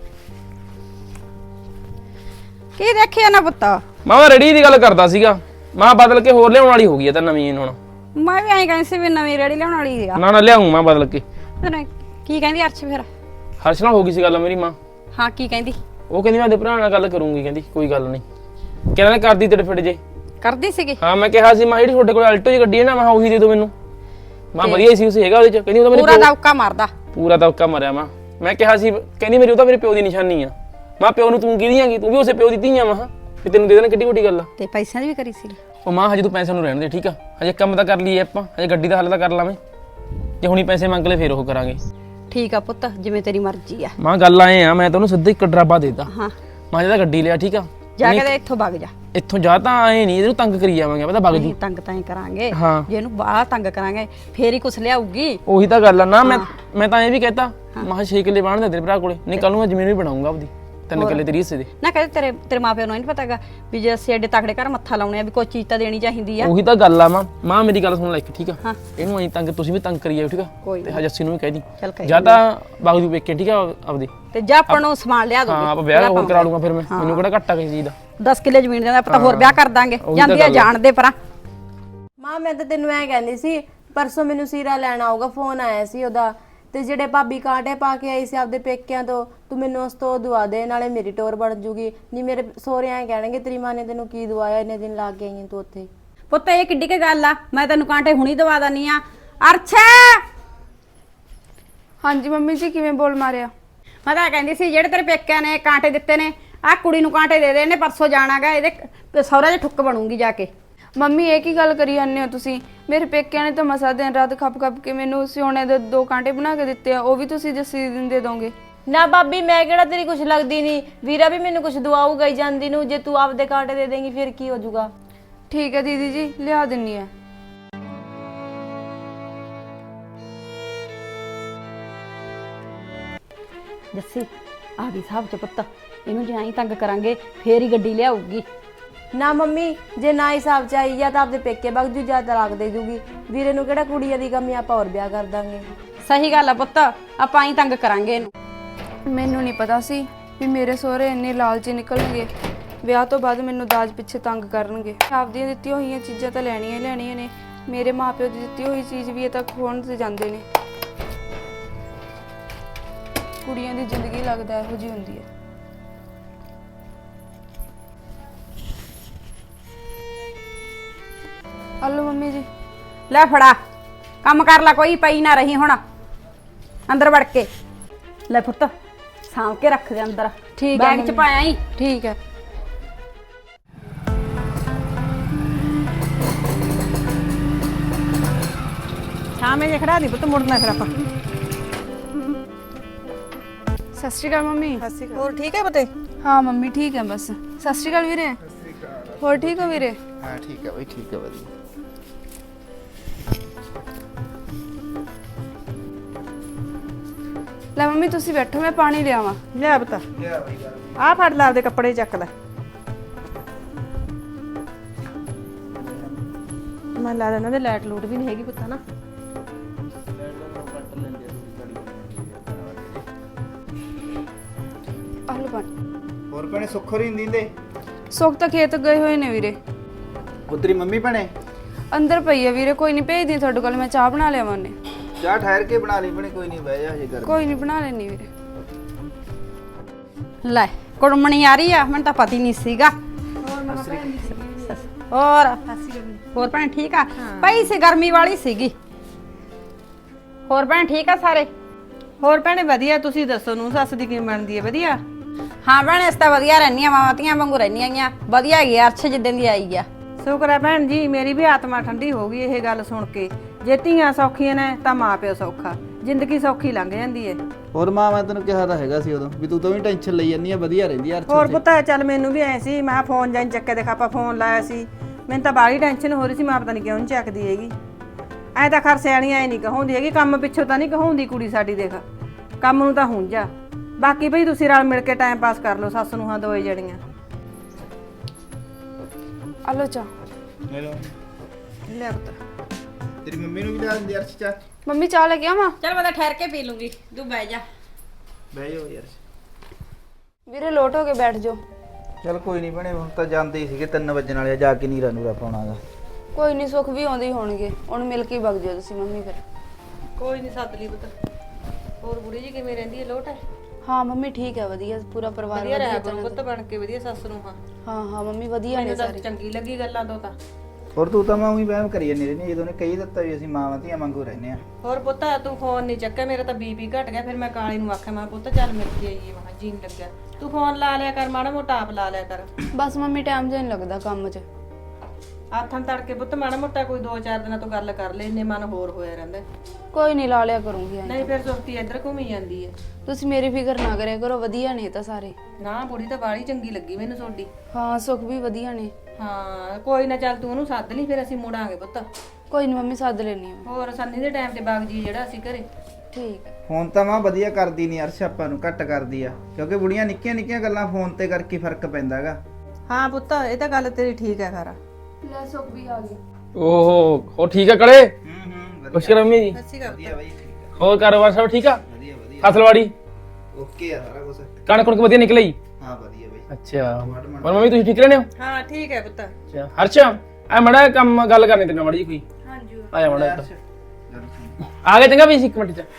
Speaker 3: ਕੀ ਦੇਖਿਆ ਨਾ ਪੁੱਤ?
Speaker 2: ਮੈਂ ਰੈਡੀ ਦੀ ਗੱਲ ਕਰਦਾ ਸੀਗਾ, ਮੈਂ ਬਦਲ ਕੇ ਹੋਰ ਲਿਆਉਣ ਵਾਲੀ ਹੋ ਗਈ ਹੈ ਤਾਂ ਨਵੀਂ ਹੁਣ।
Speaker 3: ਮੈਂ ਵੀ ਐਂ ਕਹਿੰਦੀ ਸੀ ਵੀ ਨਵੀਂ ਰੇੜੀ ਲਿਆਉਣ ਵਾਲੀ ਆ।
Speaker 2: ਨਾ ਨਾ ਲਿਆਉਂ ਮੈਂ ਬਦਲ ਕੇ।
Speaker 3: ਤੈਨੂੰ ਕੀ ਕਹਿੰਦੀ ਅਰਸ਼ ਫਿਰ?
Speaker 2: ਹਰਸ਼ ਨਾਲ ਹੋ ਗਈ ਸੀ ਗੱਲ ਮੇਰੀ ਮਾਂ,
Speaker 3: ਹਾਂ ਕੀ ਕਹਿੰਦੀ?
Speaker 2: ਉਹ ਕਹਿੰਦੀ ਮੈਂ ਆਪਦੇ ਭਰਾ ਨਾਲ ਗੱਲ ਕਰੂੰਗੀ, ਕਹਿੰਦੀ ਕੋਈ ਗੱਲ ਨਹੀਂ। ਕਹਿੰਦਾ ਕਰਦੀ ਤੇਰੇ ਫਿੱਟ ਜੇ।
Speaker 3: ਕਰਦੀ ਸੀਗੀ?
Speaker 2: ਹਾਂ ਮੈਂ ਕਿਹਾ ਸੀ ਮੈਂ ਜਿਹੜੀ ਤੁਹਾਡੇ ਕੋਲ ਅਲਟੋ ਜੀ ਗੱਡੀ ਹੈ ਨਾ ਮੈਂ ਉਹੀ ਦੇ ਦਿਓ ਮੈਨੂੰ। ਮੈਂ ਵਧੀਆ ਸੀ ਉਸ ਹੈਗਾ ਉਹਦੇ ਚ। ਕਹਿੰਦੀ ਉਹ ਤਾਂ ਮੇਰੇ
Speaker 3: ਪੂਰਾ ਦੌਕਾ ਮਾਰਦਾ।
Speaker 2: ਪੂਰਾ ਦੌਕਾ ਮਾਰਿਆ ਮੈਂ। ਮੈਂ ਕਿਹਾ ਸੀ ਕਹਿੰਦੀ ਮੇਰੀ ਉਹ ਤਾਂ ਮੇਰੇ ਪਿਓ ਦੀ ਨਿਸ਼ਾਨੀ ਆ। ਮੈਂ ਪਿਓ ਨੂੰ ਤੂੰ ਕਿਹਦੀ ਆਂਗੀ? ਤੂੰ ਵੀ ਉਸੇ ਪਿਓ ਦੀ ਧੀ ਆ। ਮੈਂ ਵੀ ਤੈਨੂੰ ਦੇ ਦੇਣਾ ਕਿੱਡੀ ਵੱਡੀ ਗੱਲ ਆ।
Speaker 3: ਤੇ ਪੈਸਿਆਂ ਦੀ ਵੀ ਕਰੀ ਸੀ?
Speaker 2: ਉਹ ਮਾਂ ਹਜੇ ਤੂੰ ਪੈਸਿਆਂ ਨੂੰ ਰਹਿਣ ਦੇ ਠੀਕ ਆ। ਹਜੇ ਕੰਮ ਤਾਂ ਕਰ ਲਈਏ ਆਪਾਂ, ਹਜੇ ਗੱਡੀ ਦਾ ਹੱਲ ਤਾਂ ਕਰ ਲਾਵੇਂ। ਜੇ ਹੁਣੀ ਪੈਸੇ ਮੰਗ ਲੈ ਫੇਰ ਉਹ ਕਰਾਂਗੇ।
Speaker 3: ਠੀਕ ਆ ਪੁੱਤ ਜਿਵੇਂ ਤੇਰੀ ਮਰਜ਼ੀ ਆ।
Speaker 2: ਮਾਂ ਗੱਲ ਆਏ ਆ ਮੈਂ ਤੈਨੂੰ ਸਿੱਧਾ ਇੱਕ ਡਰਾਬਾ ਦੇਤਾ।
Speaker 3: ਹਾਂ
Speaker 2: ਮਾਂ ਜਿਹਦਾ ਗੱਡੀ ਲਿਆ ਠੀਕ ਆ।
Speaker 3: ਜਾ ਕੇ ਤੇ ਇੱਥੋਂ ਵਗ ਜਾ।
Speaker 2: ਇੱਥੋਂ ਜਾ ਤਾਂ ਆਏ ਨਹੀਂ ਇਹਨੂੰ ਤੰਗ ਕਰੀ ਜਾਵਾਂਗੇ ਪਤਾ ਵਗ ਜੂ।
Speaker 3: ਨਹੀਂ ਤੰਗ ਤਾਂ ਹੀ ਕਰਾਂਗੇ
Speaker 2: ਹਾਂ।
Speaker 3: ਜੇ ਇਹਨੂੰ ਬਾਹਲਾ ਤੰਗ ਕਰਾਂਗੇ ਫੇਰ ਹੀ ਕੁਛ ਲਿਆਊਗੀ।
Speaker 2: ਉਹੀ ਤਾਂ ਗੱਲ ਆ ਨਾ। ਮੈਂ ਮੈਂ ਤਾਂ ਇਹ ਵੀ ਕਹਿਤਾ ਮਾਂ ਛੇ ਕਿੱਲੇ ਬਾਣ ਦੇ ਤੇਰੇ ਭਰਾ ਕੋਲੇ। ਨਹੀਂ ਕੱਲ ਨੂੰ ਮੈਂ ਜ਼ਮੀਨ ਵੀ ਬਣਾਉਂਗਾ ਆਪਦੀ। ਤਿੰਨ ਕਿੱਲੇ ਤੇਰੀ ਹਿੱਸੇ ਦੇ।
Speaker 3: ਨਾ ਕਹਿੰਦੇ ਤੇਰੇ ਤੇਰੇ ਮਾਪਿਆਂ ਨੂੰ ਨਹੀਂ ਪਤਾਗਾ ਵੀ ਜੇ ਅਸੀਂ ਐਡੇ ਤਕੜੇ ਘਰ ਮੱਥਾ ਲਾਉਣੇ ਆ ਵੀ ਕੋਈ ਚੀਜ਼ ਤਾਂ ਦੇਣੀ ਚਾਹੀਦੀ ਆ।
Speaker 2: ਉਹੀ ਤਾਂ ਗੱਲ ਆ ਮਾਂ। ਮਾਂ ਮੇਰੀ ਗੱਲ ਸੁਣ ਲੈ ਇੱਕ ਠੀਕ ਆ।
Speaker 3: ਹਾਂ।
Speaker 2: ਇਹਨੂੰ ਐਂ ਤੰਗ ਤੁਸੀਂ ਵੀ ਤੰਗ ਕਰੀ ਜਾਓ ਠੀਕ ਆ।
Speaker 3: ਕੋਈ
Speaker 2: ਤੇ ਹਜੱਸੀ ਨੂੰ ਵੀ ਕਹਿ ਦੀ
Speaker 3: ਚੱਲ ਕਹਿ
Speaker 2: ਜਾਂ ਤਾਂ ਬਾਗੂ ਵੇਖੇ ਠੀਕ ਆ ਆਪਦੀ।
Speaker 3: ਤੇ ਜਾ ਆਪਾਂ ਨੂੰ ਸਮਾਨ ਲਿਆ ਦੂੰਗੀ।
Speaker 2: ਹਾਂ ਆਪਾਂ ਵਿਆਹ ਹੋਰ ਕਰਾ ਲੂੰਗਾ ਫਿਰ ਮੈਂ। ਮੈਨੂੰ ਕਿਹੜਾ ਘੱਟਾ ਕਿਸੇ ਚੀਜ਼ ਦਾ।
Speaker 3: ਦਸ ਕਿੱਲੇ ਜ਼ਮੀਨ ਦੇ ਆਪਾਂ ਤਾਂ ਹੋਰ ਵਿਆਹ ਕਰ ਦਾਂਗੇ।
Speaker 2: ਉਹੀ ਤਾਂ
Speaker 3: ਜਾਂਦੀ ਆ
Speaker 2: ਗੱਲ ਆ।
Speaker 3: ਜਾਣ ਦੇ ਪਰਾਂ।
Speaker 6: ਮਾਂ ਮੈਂ ਤਾਂ ਤੈਨੂੰ ਐ ਕਹਿੰਦੀ ਸੀ ਪਰਸੋਂ ਮੈਨੂੰ ਸੀਰਾ ਲੈਣ ਆਊਗਾ, ਫੋਨ ਆਇਆ ਸੀ ਉਹਦਾ। ਤੇ ਜਿਹੜੇ ਭਾਬੀ ਕਾਂਟੇ ਪਾ ਕੇ ਆਈ ਸੀ ਆਪਦੇ ਪੇਕਿਆਂ ਤੋਂ, ਤੂੰ ਮੈਨੂੰ ਉਸ ਤੋਂ ਦਵਾ ਦੇ, ਨਾਲੇ ਮੇਰੀ ਟੋਰ ਬਣ ਜੂਗੀ। ਨਹੀਂ ਮੇਰੇ ਸਹੁਰੇ ਐ ਕਹਿਣਗੇ ਤੇਰੀ ਮਾਂ ਨੇ ਤੈਨੂੰ ਕੀ ਦਵਾਇਆ, ਇੰਨੇ ਦਿਨ ਲਾ ਕੇ ਆਈ ਤੂੰ ਉੱਥੇ।
Speaker 3: ਪੁੱਤ ਇਹ ਕਿੱਡੀ ਕੀ ਗੱਲ ਆ? ਮੈਂ ਤੈਨੂੰ ਕਾਂਟੇ ਹੁਣੀ ਦਵਾ ਦਨੀ ਆ। ਅਰਛਾ
Speaker 1: ਹਾਂਜੀ ਮੰਮੀ ਜੀ ਕਿਵੇਂ ਬੋਲ ਮਾਰਿਆ?
Speaker 3: ਮੈਂ ਤਾਂ ਕਹਿੰਦੀ ਸੀ ਜਿਹੜੇ ਤੇਰੇ ਪੇਕਿਆਂ ਨੇ ਕਾਂਟੇ ਦਿੱਤੇ ਨੇ ਆਹ ਕੁੜੀ ਨੂੰ ਕਾਂਟੇ ਦੇ ਦੇ। ਇਹਨੇ ਪਰਸੋਂ ਜਾਣਾਗਾ, ਇਹਦੇ ਸਹੁਰਾ ਚ ਠੁੱਕ ਬਣੂਗੀ ਜਾ ਕੇ।
Speaker 1: ਮੰਮੀ ਇਹ ਕੀ ਗੱਲ ਕਰੀ ਜਾਂਦੇ ਹੋ ਤੁਸੀਂ? ਮੇਰੇ ਪੇਕਿਆਂ ਨੇ ਤਾਂ ਮਸਾ ਦਿਨ ਰਾਤ ਖੱਪ ਖੱਪ ਕੇ ਮੈਨੂੰ ਸਿਉਣੇ ਦੇ ਦੋ ਕਾਂਟੇ ਬਣਾ ਕੇ ਦਿੱਤੇ ਆ। ਉਹ ਵੀ ਤੁਸੀਂ ਜੱਸੀ ਦਿਨ ਦੇ ਦੋਗੇ?
Speaker 6: ਨਾ ਭਾਬੀ ਮੈਂ ਕਿਹੜਾ ਤੇਰੀ ਕੁਛ ਲੱਗਦੀ ਨਹੀਂ। ਵੀਰਾ ਵੀ ਮੈਨੂੰ ਕੁਛ ਦਵਾਊਗਾ ਹੀ ਜਾਂਦੀ ਨੂੰ। ਜੇ ਤੂੰ ਆਪਦੇ ਕਾਂਟੇ ਦੇ ਦੇਂਗੀ ਫਿਰ ਕੀ ਹੋ ਜਾਊਗਾ।
Speaker 1: ਠੀਕ ਹੈ ਦੀਦੀ ਜੀ ਲਿਆ ਦਿੰਨੀ ਆ।
Speaker 3: ਜੱਸੀ ਆ ਗਈ ਸਾਹਿਬ ਚ ਪੁੱਤ। ਇਹਨੂੰ ਜੇ ਐਂ ਤੰਗ ਕਰਾਂਗੇ ਫੇਰ ਹੀ ਗੱਡੀ ਲਿਆਊਗੀ।
Speaker 6: ਨਾ ਮੰਮੀ ਜੇ ਨਾ ਹਿਸਾਬ ਚ ਆਈ ਜਾਂ ਤਾਂ ਆਪਦੇ ਪੇਕੇ ਬਗ ਜੂ ਜਾਂ ਤਲਾਕ ਦੇ ਦੂਗੀ। ਵੀਰੇ ਨੂੰ ਕਿਹੜਾ ਕੁੜੀਆਂ ਦੀ ਕਮੀ, ਆਪਾਂ ਹੋਰ ਵਿਆਹ ਕਰ ਦਾਂਗੇ।
Speaker 3: ਸਹੀ ਗੱਲ ਆ ਪੁੱਤ, ਆਪਾਂ ਐਂ ਤੰਗ ਕਰਾਂਗੇ ਇਹਨੂੰ।
Speaker 1: ਮੈਨੂੰ ਨਹੀਂ ਪਤਾ ਸੀ ਵੀ ਮੇਰੇ ਸਹੁਰੇ ਇੰਨੇ ਲਾਲਚੀ ਨਿਕਲਣਗੇ। ਵਿਆਹ ਤੋਂ ਬਾਅਦ ਮੈਨੂੰ ਦਾਜ ਪਿੱਛੇ ਤੰਗ ਕਰਨਗੇ। ਆਪਦੀਆਂ ਦਿੱਤੀਆਂ ਹੋਈਆਂ ਚੀਜ਼ਾਂ ਤਾਂ ਲੈਣੀਆਂ ਹੀ ਲੈਣੀਆਂ ਨੇ। ਮੇਰੇ ਮਾਪਿਓ ਦੀ ਦਿੱਤੀ ਹੋਈ ਚੀਜ਼ ਵੀ ਇਹ ਤਾਂ ਖੋਣ ਤੇ ਜਾਂਦੇ ਨੇ। ਕੁੜੀਆਂ ਦੀ ਜ਼ਿੰਦਗੀ ਲੱਗਦਾ ਇਹੋ ਜਿਹੀ ਹੁੰਦੀ ਹੈ। ਹਲੋ ਮੰਮੀ ਜੀ।
Speaker 3: ਲੈ ਫੜਾ ਕੰਮ ਕਰ ਲੈ, ਕੋਈ ਪਈ ਨਾ ਰਹੀ ਹੁਣ ਅੰਦਰ ਵੜ ਕੇ। ਲੈ ਪੁੱਤ ਸਾਂਭ ਕੇ ਰੱਖ ਦੇ ਅੰਦਰ।
Speaker 1: ਠੀਕ ਹੈ
Speaker 3: ਬੈਗ ਚ ਪਾਇਆ ਹੀ।
Speaker 1: ਠੀਕ ਹੈ।
Speaker 4: ਸ਼ਾਮੇ ਜੇ ਖੜਾ ਦੀ ਪੁੱਤ, ਮੁੜਨਾ ਫਿਰ ਆਪਾਂ।
Speaker 1: ਸਤਿ ਸ਼੍ਰੀ ਅਕਾਲ ਮੰਮੀ।
Speaker 4: ਹੋਰ ਠੀਕ ਹੈ ਬਤੇ?
Speaker 1: ਹਾਂ ਮੰਮੀ ਠੀਕ ਹੈ ਬਸ। ਸਤਿ ਸ਼੍ਰੀ ਅਕਾਲ ਵੀਰੇ। ਹੋਰ ਠੀਕ ਹੋ ਵੀਰੇ?
Speaker 5: ਹਾਂ ਠੀਕ ਹੈ ਬਈ, ਠੀਕ ਹੈ ਵਧੀਆ।
Speaker 1: ਲੈ ਮੰਮੀ ਤੁਸੀਂ ਬੈਠੋ, ਮੈਂ ਪਾਣੀ ਲਿਆਵਾਂ।
Speaker 4: ਲਿਆ ਬਤਾ। ਆਹ ਫੜ ਲੈ, ਆਪਦੇ ਕੱਪੜੇ ਚੱਕ ਲੈ। ਮੈਂ ਲਾ ਦੇਣਾ, ਤੇ ਲਾਈਟ ਲੂਟ ਵੀ ਨਹੀਂ ਹੈਗੀ ਪੁੱਤ ਨਾ।
Speaker 1: ਆਹ ਲਓ ਪਾਣੀ।
Speaker 5: ਹੋਰ ਭੈਣੇ ਸੁੱਖ ਹੋਰੀ ਨਹੀਂ ਦਿੰਦੇ?
Speaker 1: ਸੁੱਖ ਤਾਂ ਖੇਤ ਗਏ ਹੋਏ ਨੇ ਵੀਰੇ।
Speaker 5: ਪੁੱਤਰੀ ਮੰਮੀ ਭੈਣੇ
Speaker 1: ਅੰਦਰ ਪਈ ਹੈ ਵੀਰੇ। ਕੋਈ ਨਹੀਂ ਭੇਜਦੀ ਤੁਹਾਡੇ ਕੋਲ, ਮੈਂ ਚਾਹ ਬਣਾ ਲਿਆਵਾਂ ਉਹਨੇ।
Speaker 5: ਚਾਹ ਠਹਿਰ ਕੇ ਬਣਾ ਲਈ ਭੈਣੇ, ਕੋਈ ਨਹੀਂ ਬਹਿ ਜਾ ਹਜੇ ਕਰ।
Speaker 1: ਕੋਈ ਨਹੀਂ ਬਣਾ ਲੈਣੀ ਵੀਰੇ।
Speaker 3: ਲੈ ਕੁੜਮਣੀ ਆ ਰਹੀ ਆ, ਮੈਨੂੰ ਤਾਂ ਪਤਾ ਹੀ ਨਹੀਂ ਸੀਗਾ। ਹੋਰ ਹੋਰ ਭੈਣ ਠੀਕ ਆ? ਪਈ ਸੀ ਗਰਮੀ ਵਾਲੀ ਸੀਗੀ। ਹੋਰ ਭੈਣ ਠੀਕ ਆ ਸਾਰੇ?
Speaker 4: ਹੋਰ ਭੈਣੇ ਵਧੀਆ। ਤੁਸੀਂ ਦੱਸੋ ਨੂੰ ਸੱਸ ਦੀ ਕਿਵੇਂ ਬਣਦੀ ਹੈ? ਵਧੀਆ?
Speaker 3: ਹਾਂ ਭੈਣ ਇਸ ਤਾਂ ਵਧੀਆ ਰਹਿੰਦੀਆਂ, ਮਾਵਾਤੀਆਂ ਵਾਂਗੂ ਰਹਿੰਦੀਆਂ ਗੀਆਂ। ਵਧੀਆ ਹੈਗੀ ਆ ਅਰਸ਼ ਜਿੱਦਾਂ ਦੀ ਆਈ ਆ।
Speaker 4: ਸ਼ੁਕਰ ਹੈ ਭੈਣ ਜੀ, ਮੇਰੀ ਵੀ ਆਤਮਾ ਠੰਡੀ ਹੋ ਗਈ ਇਹ ਗੱਲ ਸੁਣ ਕੇ। ਜੇ ਧੀਆਂ ਸੌਖੀਆਂ ਨੇ ਤਾਂ ਮਾਂ ਪਿਓ ਸੌਖਾ, ਜ਼ਿੰਦਗੀ ਸੌਖੀ ਲੰਘ ਜਾਂਦੀ ਹੈ।
Speaker 5: ਹੋਰ ਮਾਂ ਮੈਂ ਤੈਨੂੰ ਕਿਹਾ ਤਾਂ ਹੈਗਾ ਸੀ ਉਦੋਂ ਵੀ ਤੂੰ ਤਾਂ ਵੀ ਟੈਨਸ਼ਨ ਲਈ ਜਾਂਦੀ ਆ, ਵਧੀਆ ਰਹਿੰਦੀ ਆ।
Speaker 4: ਹੋਰ ਪੁੱਤ ਚੱਲ ਮੈਨੂੰ ਵੀ ਐ ਸੀ, ਮੈਂ ਫੋਨ ਜਾਂ ਚੱਕੇ ਦੇਖਾ, ਆਪਾਂ ਫੋਨ ਲਾਇਆ ਸੀ। ਮੈਨੂੰ ਤਾਂ ਬਾਹਲੀ ਟੈਨਸ਼ਨ ਹੋ ਰਹੀ ਸੀ, ਮੈਂ ਪਤਾ ਨਹੀਂ ਕਿਉਂ ਨਹੀਂ ਚੱਕਦੀ ਹੈਗੀ। ਐ ਤਾਂ ਖਰ ਸਿਆਣੀ ਐ ਨਹੀਂ ਕਹਾਉਂਦੀ ਹੈਗੀ, ਕੰਮ ਪਿੱਛੋਂ ਤਾਂ ਨਹੀਂ ਕਹਾਉਂਦੀ ਕੁੜੀ ਸਾਡੀ। ਦੇਖ ਕੰਮ ਨੂੰ ਤਾਂ ਹੁਣ ਜਾ, ਬਾਕੀ ਭਈ ਤੁਸੀਂ ਰਲ ਮਿਲ ਕੇ ਟਾਈਮ ਪਾਸ ਕਰ ਲਓ ਸੱਸ ਨੂੰ ਹਾਂ ਦੋਏ ਜਣੀਆਂ।
Speaker 1: ਆਲੋ ਚਾਹ।
Speaker 4: ਲੈ ਪੁੱਤ।
Speaker 5: ਤੇਰੀ ਮੰਮੀ ਨੂੰ ਵੀ ਲਿਆ ਦਿੰਦੀ ਅਰਸ਼ ਚਾਹ।
Speaker 1: ਮੰਮੀ ਚਾਹ ਲੈ ਕੇ ਆਵਾਂ?
Speaker 3: ਚੱਲ ਮੈਂ ਤਾਂ ਠਹਿਰ ਕੇ ਪੀ ਲੂੰਗੀ, ਤੂੰ ਬਹਿ ਜਾ।
Speaker 5: ਬਹਿ ਜਾਓ ਯਾਰ।
Speaker 1: ਵੀਰੇ ਲੋਟ ਹੋ ਕੇ ਬੈਠ ਜਾਓ।
Speaker 5: ਚਲ ਕੋਈ ਨਹੀਂ ਭੈਣੇ, ਹੁਣ ਤਾਂ ਜਾਂਦੇ ਹੀ ਸੀਗੇ ਤਿੰਨ ਵਜਣ ਵਾਲੇ, ਜਾ ਕੇ ਨੀਰਾ ਨੂਰਾ ਪਾਉਣਾ ਗਾ।
Speaker 1: ਕੋਈ ਨਹੀਂ ਸੁੱਖ ਵੀ ਆਉਂਦੇ ਹੀ ਹੋਣਗੇ, ਉਹਨੂੰ ਮਿਲ ਕੇ ਹੀ ਵਗ ਜਾਓ ਤੁਸੀਂ ਮੰਮੀ ਫਿਰ।
Speaker 4: ਕੋਈ ਨਹੀਂ ਸੱਦ ਲਈ ਪੁੱਤ। ਹੋਰ ਬੁੜੀ ਜੀ ਕਿਵੇਂ ਰਹਿੰਦੀ ਹੈ? ਲੋਟ ਹੈ?
Speaker 1: ਹਾਂ ਮੰਮੀ ਠੀਕ ਹੈ, ਵਧੀਆ ਪੂਰਾ ਪਰਿਵਾਰ
Speaker 4: ਵਧੀਆ
Speaker 1: ਵਧੀਆ
Speaker 4: ਰਹਿ
Speaker 1: ਚੱਲਦਾ।
Speaker 4: ਪੁੱਤ ਬਣ ਕੇ ਵਧੀਆ ਸੱਸ ਨੂੰ। ਹਾਂ
Speaker 1: ਹਾਂ ਹਾਂ ਮੰਮੀ ਵਧੀਆ ਨੇ
Speaker 4: ਮੈਨੂੰ ਤਾਂ
Speaker 1: ਸਾਰੇ।
Speaker 4: ਚੰਗੀ ਲੱਗੀ ਗੱਲਾਂ ਤੋਂ ਤਾਂ।
Speaker 5: ਹੋਰ ਤੂੰ ਤਾਂ ਮੈਂ ਉਹੀ ਵਹਿਮ ਕਰੀ ਜਾਂਦੀ ਰਹਿੰਦੀ ਜਦੋਂ ਨੇ ਕਹੀ ਦਿੱਤਾ ਵੀ ਅਸੀਂ ਮਾਵਾਂ ਧੀਆਂ ਵਾਂਗੂ ਰਹਿੰਦੇ ਆ।
Speaker 4: ਹੋਰ ਪੁੱਤ ਤੂੰ ਫੋਨ ਨਹੀਂ ਚੱਕਿਆ, ਮੇਰਾ ਤਾਂ ਬੀਪੀ ਘਟ ਗਿਆ। ਫਿਰ ਮੈਂ ਕਾਲੇ ਨੂੰ ਆਖਿਆ ਮੈਂ ਪੁੱਤ ਚੱਲ ਮਿਲ ਕੇ ਆਈਏ, ਮੈਂ ਜੀਣ ਲੱਗਿਆ। ਤੂੰ ਫੋਨ ਲਾ ਲਿਆ ਕਰ, ਮਾੜਾ ਮੋਟਾ ਆਪ ਲਾ ਲਿਆ ਕਰ।
Speaker 1: ਬਸ ਮੰਮੀ ਟਾਈਮ ਜਿਹਾ ਨਹੀਂ ਲੱਗਦਾ ਕੰਮ 'ਚ।
Speaker 4: ਆਥਾਂ ਤੜਕੇ ਪੁੱਤ ਮਾੜਾ ਮੋਟਾ ਕੋਈ ਦੋ ਚਾਰ ਦਿਨਾਂ ਤੋਂ ਗੱਲ ਕਰ ਲੈ, ਇੰਨੇ ਮਨ ਹੋਰ ਹੋਇਆ ਰਹਿੰਦਾ।
Speaker 1: ਕੋਈ ਨਹੀਂ ਲਾ ਲਿਆ ਕਰੂੰਗੀ। ਐਂ।
Speaker 4: ਨਹੀਂ ਫਿਰ ਸੁਰਤੀ ਇੱਧਰ ਘੁੰਮੀ ਜਾਂਦੀ ਹੈ।
Speaker 1: ਤੁਸੀਂ ਮੇਰੀ ਫਿਕਰ ਨਾ ਕਰਿਆ ਕਰੋ, ਵਧੀਆ ਨੇ ਇਹ ਤਾਂ ਸਾਰੇ।
Speaker 4: ਨਾ ਬੁੜੀ ਤਾਂ ਬਾੜੀ ਚੰਗੀ ਲੱਗੀ ਮੈਨੂੰ ਤੁਹਾਡੀ।
Speaker 1: ਹਾਂ ਸੁੱਖ ਵੀ ਵਧੀਆ ਨੇ।
Speaker 4: ਹਾਂ ਕੋਈ ਨਾ, ਚੱਲ ਤੂੰ ਉਹਨੂੰ ਸੱਦ ਲਈ, ਫਿਰ ਅਸੀਂ ਮੁੜਾਂਗੇ ਪੁੱਤ।
Speaker 1: ਕੋਈ ਨਹੀਂ ਮੰਮੀ ਸੱਦ ਲੈਣੀ ਆ।
Speaker 4: ਹੋਰ ਸੰਨੀ ਦੇ ਟਾਈਮ ਤੇ ਬਾਗ ਜੀ ਜਿਹੜਾ ਅਸੀਂ ਘਰੇ।
Speaker 1: ਠੀਕ ਹੈ।
Speaker 5: ਫੋਨ ਤਾਂ ਮਾਂ ਵਧੀਆ ਕਰਦੀ ਨਹੀਂ ਅਰਸ਼, ਆਪਾਂ ਨੂੰ ਘੱਟ ਕਰਦੀ ਆ, ਕਿਉਂਕਿ ਬੁੜੀਆਂ ਨਿੱਕੀਆਂ ਨਿੱਕੀਆਂ ਗੱਲਾਂ ਫੋਨ ਤੇ ਕਰਕੇ ਫਰਕ ਪੈਂਦਾਗਾ।
Speaker 4: ਹਾਂ ਪੁੱਤ ਇਹ ਤਾਂ ਗੱਲ ਤੇਰੀ ਠੀਕ ਹੈ ਖਰਾ।
Speaker 1: ਲੈ ਸੁੱਖ ਵੀ ਆ ਗਈ।
Speaker 2: ਓਹੋ ਉਹ ਠੀਕ ਆ ਕਲੇ।
Speaker 5: ਹੂੰ ਹੂੰ
Speaker 2: ਖੁਸ਼ਕਰ ਮੰਮੀ ਜੀ।
Speaker 4: ਸੱਚੀ ਗੱਲ
Speaker 5: ਵਧੀਆ ਬਾਈ, ਠੀਕ
Speaker 2: ਹੋਰ ਕਾਰੋਬਾਰ ਸਭ ਠੀਕ ਆ?
Speaker 5: ਵਧੀਆ ਵਧੀਆ
Speaker 2: ਫਸਲਵਾੜੀ
Speaker 5: ਓਕੇ ਆ ਸਾਰਾ ਕੁਝ।
Speaker 2: ਕਣਕ ਕੁਣਕ ਵਧੀਆ ਨਿਕਲੀ?
Speaker 5: ਹਾਂ ਵਧੀਆ ਬਾਈ।
Speaker 2: ਅੱਛਾ ਹੋਰ ਮੰਮੀ ਤੁਸੀਂ ਠੀਕ ਰਹਿੰਦੇ ਹੋ?
Speaker 4: ਹਾਂ ਠੀਕ ਹੈ ਪੁੱਤ।
Speaker 2: ਅੱਛਾ ਹਰਸ਼ ਆ ਮੜਾ ਕੰਮ ਗੱਲ ਕਰਨੀ ਤੇਰੇ ਨਾਲ ਮੜੀ ਜੀ ਕੋਈ।
Speaker 1: ਹਾਂਜੀ
Speaker 2: ਆਇਆ ਮੜਾ ਆ ਗਿਆ, ਚੰਗਾ ਵੀ ਸੀ ਇੱਕ ਮਿੰਟ ਚ।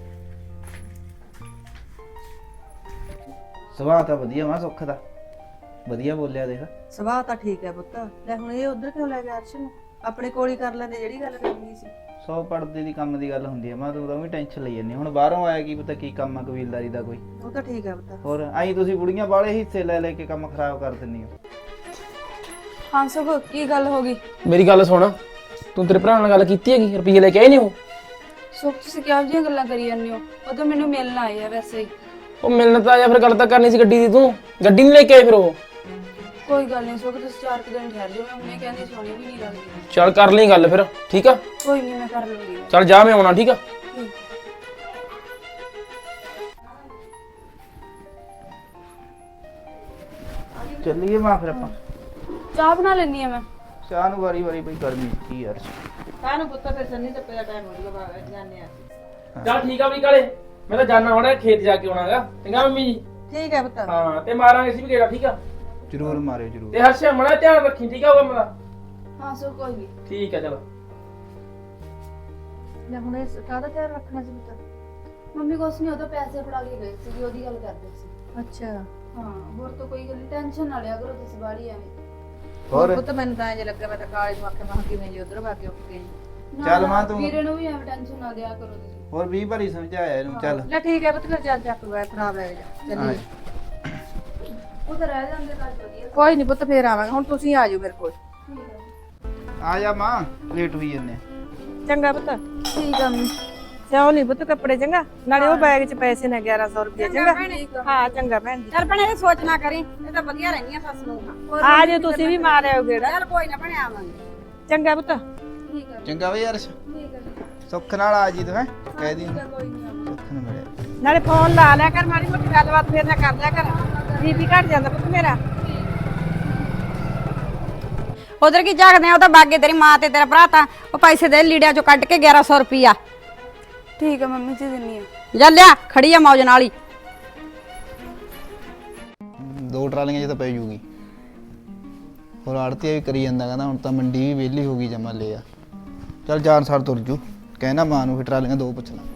Speaker 5: ਸੁਭਾਅ ਤਾਂ ਵਧੀਆ ਮਾਂ ਸੁੱਖ ਦਾ, ਵਧੀਆ ਬੋਲਿਆ ਦੇਖ।
Speaker 4: ਸੁਭਾਅ ਤਾਂ ਠੀਕ ਹੈ ਪੁੱਤ। ਲੈ ਹੁਣ ਇਹ ਉਧਰ ਕਿਉਂ ਲੈ ਗਿਆ ਅਰਸ਼ ਨੂੰ? ਆਪਣੇ ਕੋਲ ਹੀ ਕਰ ਲੈਂਦੇ ਜਿਹੜੀ ਗੱਲ ਕਰਨੀ ਸੀ।
Speaker 5: ਸੌ ਪੜਦੇ ਦੀ ਕੰਮ ਦੀ ਗੱਲ ਹੁੰਦੀ ਆ ਮਾਂ, ਤੂੰ ਤਾਂ ਵੀ ਟੈਨਸ਼ਨ ਲਈ ਜਾਂਦੀ। ਹੁਣ ਬਾਹਰੋਂ ਆਇਆ ਕੀ ਪਤਾ ਕੀ ਕੰਮ ਆ ਕਬੀਲਦਾਰੀ ਦਾ ਕੋਈ।
Speaker 4: ਉਹ ਤਾਂ ਠੀਕ ਹੈ ਪੁੱਤ।
Speaker 5: ਹੋਰ ਆਈ ਤੁਸੀਂ ਬੁੜੀਆਂ ਵਾਲੇ ਹਿੱਸੇ ਲੈ ਲੈ ਕੇ ਕੰਮ ਖਰਾਬ ਕਰ ਦਿੰਦੀ ਹੋ।
Speaker 1: ਹਾਂ ਸੁੱਖ ਕੀ ਗੱਲ ਹੋ ਗਈ?
Speaker 2: ਮੇਰੀ ਗੱਲ ਸੁਣ, ਤੂੰ ਤੇਰੇ ਭਰਾ ਨਾਲ ਗੱਲ ਕੀਤੀ ਹੈਗੀ? ਰੁਪਈਏ ਲੈ ਕੇ ਆਏ ਨਹੀਂ ਉਹ?
Speaker 1: ਸੁੱਖ ਤੁਸੀਂ ਕਿਹੋ ਜਿਹੀਆਂ ਗੱਲਾਂ ਕਰੀ ਜਾਂਦੇ ਹੋ? ਉਹ ਤਾਂ ਮੈਨੂੰ ਮਿਲਣ ਆਏ ਆ ਵੈਸੇ ਹੀ।
Speaker 2: ਉਹ ਮਿਲਣ ਤਾਂ ਆਇਆ, ਫਿਰ ਗੱਲ ਤਾਂ ਕਰਨੀ ਸੀ ਗੱਡੀ ਦੀ। ਤੂੰ ਗੱਡੀ ਨਹੀਂ ਲੈ ਕੇ ਆਏ ਫਿਰ ਉਹ?
Speaker 1: ਕੋਈ ਗੱਲ ਨਹੀਂ ਸੁੱਖ, ਤੁਸੀਂ ਚਾਰ ਕੁ ਦਿਨ ਠਹਿਰ ਜਾਓ, ਮੈਂ ਹੁਣੇ ਕਹਿੰਦੀ ਸੋਹਣੀ ਵੀ ਨਹੀਂ ਲੱਗਦੀ।
Speaker 2: ਚੱਲ ਕਰ ਲਈ ਗੱਲ ਫਿਰ, ਠੀਕ ਆ?
Speaker 1: ਕੋਈ ਨਹੀਂ ਮੈਂ ਕਰ ਲੂੰਗੀ।
Speaker 2: ਚੱਲ ਜਾ, ਮੈਂ ਆਉਣਾ, ਠੀਕ ਆ?
Speaker 5: ਚੱਲੀਏ ਮਾਂ ਫਿਰ ਆਪਾਂ।
Speaker 1: ਚਾਹ ਬਣਾ ਲੈਣੀ ਆ ਮੈਂ।
Speaker 5: ਚਾਹ ਨੂੰ ਵਾਰੀ ਵਾਰੀ ਬਈ ਗਰਮੀ ਕੀ ਯਾਰ।
Speaker 4: ਕਾਹਨੂੰ ਪੁੱਤ ਫਿਰ ਸੰਨੀ ਤੇ ਪਿਆ ਟਾਈਮ ਹੋ ਜੂਗਾ ਬਾਹਰ ਜਾਂਦੇ ਆ।
Speaker 2: ਚੱਲ ਠੀਕ ਆ ਵੀ ਕਾਲੇ, ਮੈਂ ਤਾਂ ਜਾਣਾ ਹੁਣ ਖੇਤ ਜਾ ਕੇ ਆਉਣਾਗਾ। ਚੰਗਾ ਮੰਮੀ ਜੀ।
Speaker 4: ਠੀਕ ਹੈ ਪੁੱਤ।
Speaker 2: ਹਾਂ ਤੇ ਮਾਰਾਂਗੇ ਅਸੀਂ ਵੀ ਗੇੜਾ, ਠੀਕ ਆ?
Speaker 5: ਜ਼ਰੂਰ ਮਾਰਿਓ ਜ਼ਰੂਰ।
Speaker 2: ਤੇ ਹਰਸ਼ ਮੜਾ ਧਿਆਨ ਰੱਖੀ, ਠੀਕ ਆ? ਉਹ ਮੇਰਾ
Speaker 1: ਹਾਂ ਸੁੱਖ ਕੋਈ ਨਹੀਂ।
Speaker 2: ਠੀਕ ਆ। ਚਲ
Speaker 1: ਮੈਂ ਹੁਣ ਇਸ ਕਾਹਦਾ ਧਿਆਨ ਰੱਖਣਾ ਸੀ ਪੁੱਤ? ਮੰਮੀ ਕੁਛ ਨਹੀਂ, ਉਹ ਤਾਂ ਪੈਸੇ ਫੜਾ ਕੇ ਗਏ ਸੀ, ਉਹਦੀ ਗੱਲ ਕਰਦੇ ਸੀ।
Speaker 4: ਅੱਛਾ
Speaker 1: ਹਾਂ ਹੋਰ ਤਾਂ ਕੋਈ ਗੱਲ ਨਹੀਂ, ਟੈਨਸ਼ਨ ਨਾ ਲਿਆ ਕਰੋ ਤੁਸੀਂ ਬਾਹਲੀ ਐਵੇਂ।
Speaker 5: ਹੋਰ
Speaker 4: ਪੁੱਤ ਮੈਨੂੰ ਤਾਂ ਇੰਜ ਲੱਗਾ ਮੈਂ ਤਾਂ ਕਾਲੇ ਨੂੰ ਆਖਿਆ ਮੈਂ ਕਿਵੇਂ ਜੀ ਉਧਰ ਵਾ ਕੇ ਉੱਠ ਗਈ।
Speaker 1: ਨਾ,
Speaker 5: ਚੱਲ
Speaker 1: ਨਾ,
Speaker 5: ਮਾਂ ਤੂੰ-
Speaker 1: ਵੀਰੇ ਨੂੰ ਵੀ ਐਵੇਂ ਟੈਨਸ਼ਨ ਨਾ ਦਿਆ ਕਰੋ ਤੁਸੀਂ।
Speaker 5: ਹੋਰ ਵੀਹ ਵਾਰੀ ਸਮਝਾਇਆ ਇਹਨੂੰ। ਚੱਲ
Speaker 4: ਲੈ ਠੀਕ ਹੈ ਪੁੱਤ, ਫਿਰ ਚੱਲ ਚੱਕ ਲੈ ਖਰਾਬ ਲੈ ਜਾ ਚੱਲੀਏ।
Speaker 1: ਉਹ ਤਾਂ ਰਹਿ ਜਾਂਦੇ ਘਰ ਵਧੀਆ।
Speaker 4: ਕੋਈ ਨਹੀਂ ਪੁੱਤ, ਫੇਰ ਆਵਾਂਗੇ। ਹੁਣ ਤੁਸੀਂ ਆ ਜਾਓ ਮੇਰੇ ਕੋਲ।
Speaker 1: ਠੀਕ ਹੈ
Speaker 5: ਆ ਜਾ ਮਾਂ, ਲੇਟ ਹੋਈ ਜੰਨੇ।
Speaker 4: ਚੰਗਾ ਪੁੱਤ।
Speaker 1: ਠੀਕ ਆ ਮੰਮੀ।
Speaker 4: ਸਿਆਓ ਨਹੀਂ ਪੁੱਤ ਕੱਪੜੇ, ਚੰਗਾ? ਨਾਲੇ ਉਹ ਬੈਗ 'ਚ ਪੈਸੇ ਨੇ ਗਿਆਰਾਂ ਸੌ ਰੁਪਏ। ਚੰਗਾ ਹਾਂ ਚੰਗਾ ਭੈਣ ਜੀ।
Speaker 3: ਚੱਲ ਭੈਣੇ ਇਹ ਸੋਚ ਨਾ ਕਰੀ, ਇਹ ਤਾਂ ਵਧੀਆ ਰਹਿੰਦੀਆਂ ਸੱਸ ਨੂੰ।
Speaker 4: ਆ ਜਾਓ ਤੁਸੀਂ ਵੀ ਮਾਰ ਆਇਓ ਗੇੜਾ।
Speaker 3: ਚੱਲ ਕੋਈ ਨਾ ਭੈਣੇ ਆਵਾਂਗੇ।
Speaker 4: ਚੰਗਾ ਪੁੱਤ।
Speaker 1: ਠੀਕ ਹੈ
Speaker 5: ਚੰਗਾ ਬਈ ਅਰਸ਼,
Speaker 1: ਠੀਕ ਹੈ
Speaker 5: ਸੁੱਖ ਨਾਲ ਆ ਜੀ ਤੂੰ। ਹੈ ਕਹਿ ਦੀ ਸੁੱਖ ਨੂੰ ਮਿਲਿਆ।
Speaker 4: ਨਾਲੇ ਫੋਨ ਲਾ ਲਿਆ ਕਰ, ਮਾੜੀ ਮੋਟੀ ਗੱਲਬਾਤ ਫੇਰ ਨਾ ਕਰ ਲਿਆ ਕਰ। ਬੀਪੀ ਘਟ ਜਾਂਦਾ ਪੁੱਤ ਮੇਰਾ।
Speaker 3: ਉਧਰ ਕੀ ਝਾਕਦੇ ਆ? ਉਹ ਤਾਂ ਬਾਗੇ ਤੇਰੀ ਮਾਂ ਤੇ ਤੇਰਾ ਭਰਾ ਤਾਂ ਉਹ ਪੈਸੇ ਦੇ ਲੀੜਿਆਂ ਚੋਂ ਕੱਢ ਕੇ ਗਿਆਰਾਂ ਸੌ ਰੁਪਈਆ।
Speaker 1: ਠੀਕ ਹੈ ਮੰਮੀ ਜੀ ਦਿੰਨੀ ਆ।
Speaker 3: ਜਾ ਲਿਆ, ਖੜੀ ਆ ਮੌਜ ਨਾਲ ਹੀ।
Speaker 5: ਦੋ ਟਰਾਲੀਆਂ 'ਚ ਤਾਂ ਪੈ ਜੂਗੀ। ਹੋਰ ਆੜਤੀਆ ਵੀ ਕਰੀ ਜਾਂਦਾ, ਕਹਿੰਦਾ ਹੁਣ ਤਾਂ ਮੰਡੀ ਵੀ ਵਿਹਲੀ ਹੋ ਗਈ ਜਮਾ ਲਿਆ। ਚੱਲ ਜਾਨ ਸਾਰ ਤੁਰ ਜੂ, ਕਹਿਣਾ ਮਾਂ ਨੂੰ ਫਿਰ ਟਰਾਲੀਆਂ ਦੋ ਪੁੱਛ ਲਾ।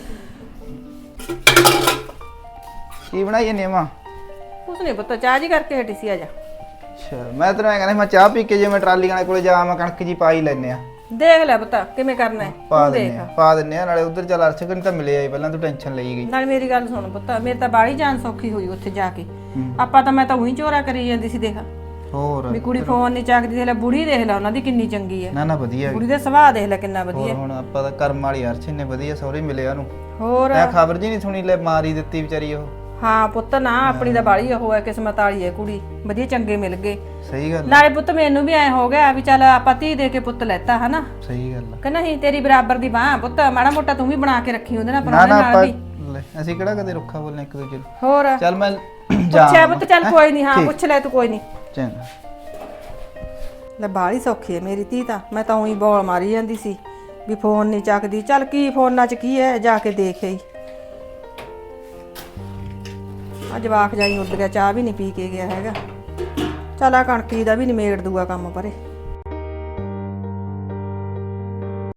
Speaker 5: ਕੀ ਬਣਾਈ ਜਾਂਦੀ ਆ ਮਾਂ?
Speaker 4: ਕੁਛ ਨਹੀਂ ਪੁੱਤ, ਚਾਹ ਜੀ ਕਰਕੇ ਹਟੀ ਸੀ। ਆ ਜਾ।
Speaker 5: ਅੱਛਾ ਮੈਂ ਤੈਨੂੰ ਐਂ ਕਹਿੰਦਾ ਮੈਂ ਚਾਹ ਪੀ ਕੇ ਜੇ ਮੈਂ ਟਰਾਲੀ ਵਾਲੇ ਕੋਲੇ ਜਾਵਾਂ ਕਣਕ ਜੀ ਪਾ ਹੀ ਲੈਨੇ ਆ।
Speaker 4: ਦੇਖ ਲੈ ਪੁੱਤ ਕਿਵੇਂ ਕਰਨਾ ਹੈ।
Speaker 5: ਪਾ
Speaker 4: ਤੂੰ
Speaker 5: ਦਿੰਨੇ ਆ ਪਾ ਦਿੰਨੇ ਆ ਨਾਲੇ ਉਧਰ ਚੱਲ ਅਰਸ਼ ਕਨ ਤਾਂ ਮਿਲਿਆ ਹੀ ਪਹਿਲਾਂ, ਤੂੰ ਟੈਨਸ਼ਨ ਲਈ ਗਈ।
Speaker 4: ਨਾਲ ਮੇਰੀ ਗੱਲ ਸੁਣ ਪੁੱਤ, ਮੇਰੇ ਤਾਂ ਬਾੜੀ ਜਾਨ ਸੌਖੀ ਹੋਈ ਉੱਥੇ ਜਾ ਕੇ। ਆਪਾਂ ਤਾਂ ਮੈਂ ਤਾਂ ਉਹੀ ਚੋਰਾ ਕਰੀ ਜਾਂਦੀ ਸੀ। ਦੇਖ
Speaker 5: ਹੋਰ
Speaker 4: ਵੀ ਕੁੜੀ ਫੋਨ ਨਹੀਂ ਚੱਕਦੀ, ਦੇਖ ਲੈ ਬੁੜੀ, ਦੇਖ ਲੈ ਉਹਨਾਂ ਦੀ ਕਿੰਨੀ ਚੰਗੀ ਹੈ।
Speaker 5: ਨਾ ਨਾ ਵਧੀਆ
Speaker 4: ਕੁੜੀ ਦਾ ਸੁਭਾਅ ਦੇਖ ਲੈ ਕਿੰਨਾ
Speaker 5: ਹੋਰ
Speaker 4: ਵਧੀਆ।
Speaker 5: ਹੁਣ ਆਪਾਂ ਤਾਂ ਕਰਮ ਵਾਲੀ ਅਰਸ਼ ਨੇ ਵਧੀਆ ਸਹੁਰੇ ਮਿਲਿਆ ਉਹਨੂੰ।
Speaker 4: ਹੋਰ
Speaker 5: ਮੈਂ ਖਬਰ ਜੀ ਨਹੀਂ ਸੁਣੀ, ਲੈ ਮਾਰੀ ਦਿੱਤੀ ਵਿਚਾਰੀ ਉਹ।
Speaker 4: ਹਾਂ ਪੁੱਤ, ਨਾ ਆਪਣੀ ਤਾਂ ਬਾੜੀ ਉਹ ਹੈ, ਕਿਸਮਤ ਵਾਲੀ ਹੈ ਕੁੜੀ, ਵਧੀਆ ਚੰਗੇ ਮਿਲ ਗਏ।
Speaker 5: ਸਹੀ ਗੱਲ
Speaker 4: ਨਾਲੇ ਪੁੱਤ ਮੈਨੂੰ ਵੀ ਐ ਹੋ ਗਿਆ ਵੀ ਚੱਲ ਆਪਾਂ ਧੀ ਦੇ ਕੇ ਪੁੱਤ ਲੈਤਾ ਹਨਾ।
Speaker 5: ਸਹੀ ਗੱਲ
Speaker 4: ਕਿ ਨਹੀਂ? ਤੇਰੀ ਬਰਾਬਰ ਦੀ ਬਾਹ ਪੁੱਤ, ਮਾੜਾ ਮੋਟਾ ਤੂੰ ਵੀ ਬਣਾ ਕੇ ਰੱਖੀ ਉਹਦੇ ਨਾਲ,
Speaker 5: ਨਾ
Speaker 4: ਪਰੋਣੇ
Speaker 5: ਨਾ
Speaker 4: ਨਾਲ
Speaker 5: ਆਪਾਂ
Speaker 4: ਵੀ।
Speaker 5: ਲੈ, ਅਸੀਂ ਕਿਹੜਾ ਕਦੇ ਰੁੱਖਾ ਬੋਲਨੇ ਇੱਕ ਦੂਜੇ ਨੂੰ।
Speaker 4: ਹੋਰ
Speaker 5: ਚੱਲ ਮੈਂ
Speaker 4: ਪੁੱਛਿਆ ਪੁੱਤ, ਚੱਲ ਕੋਈ ਨਹੀਂ। ਹਾਂ ਪੁੱਛ ਲੈ ਤੂੰ, ਕੋਈ ਨਹੀਂ।
Speaker 5: ਚੰਗਾ।
Speaker 4: ਲੈ ਬਾਹਲੀ ਸੌਖੀ ਹੈ ਮੇਰੀ ਧੀ ਤਾਂ। ਮੈਂ ਤਾਂ ਉਹੀ ਬੋਲ ਮਾਰੀ ਜਾਂਦੀ ਸੀ ਵੀ ਫੋਨ ਨਹੀਂ ਚੱਕਦੀ। ਚੱਲ ਕੀ ਫੋਨਾਂ 'ਚ ਕੀ ਹੈ, ਜਾ ਕੇ ਦੇਖ ਆਈ। ਆ ਜਵਾਕ ਜਾਈ ਉੱਡ ਗਿਆ, ਚਾਹ ਵੀ ਨਹੀਂ ਪੀ ਕੇ ਗਿਆ ਹੈਗਾ। ਚੱਲ ਆ ਕਣਕੀ ਦਾ ਵੀ ਨਿਮੇੜ ਦੂਗਾ ਕੰਮ ਪਰੇ।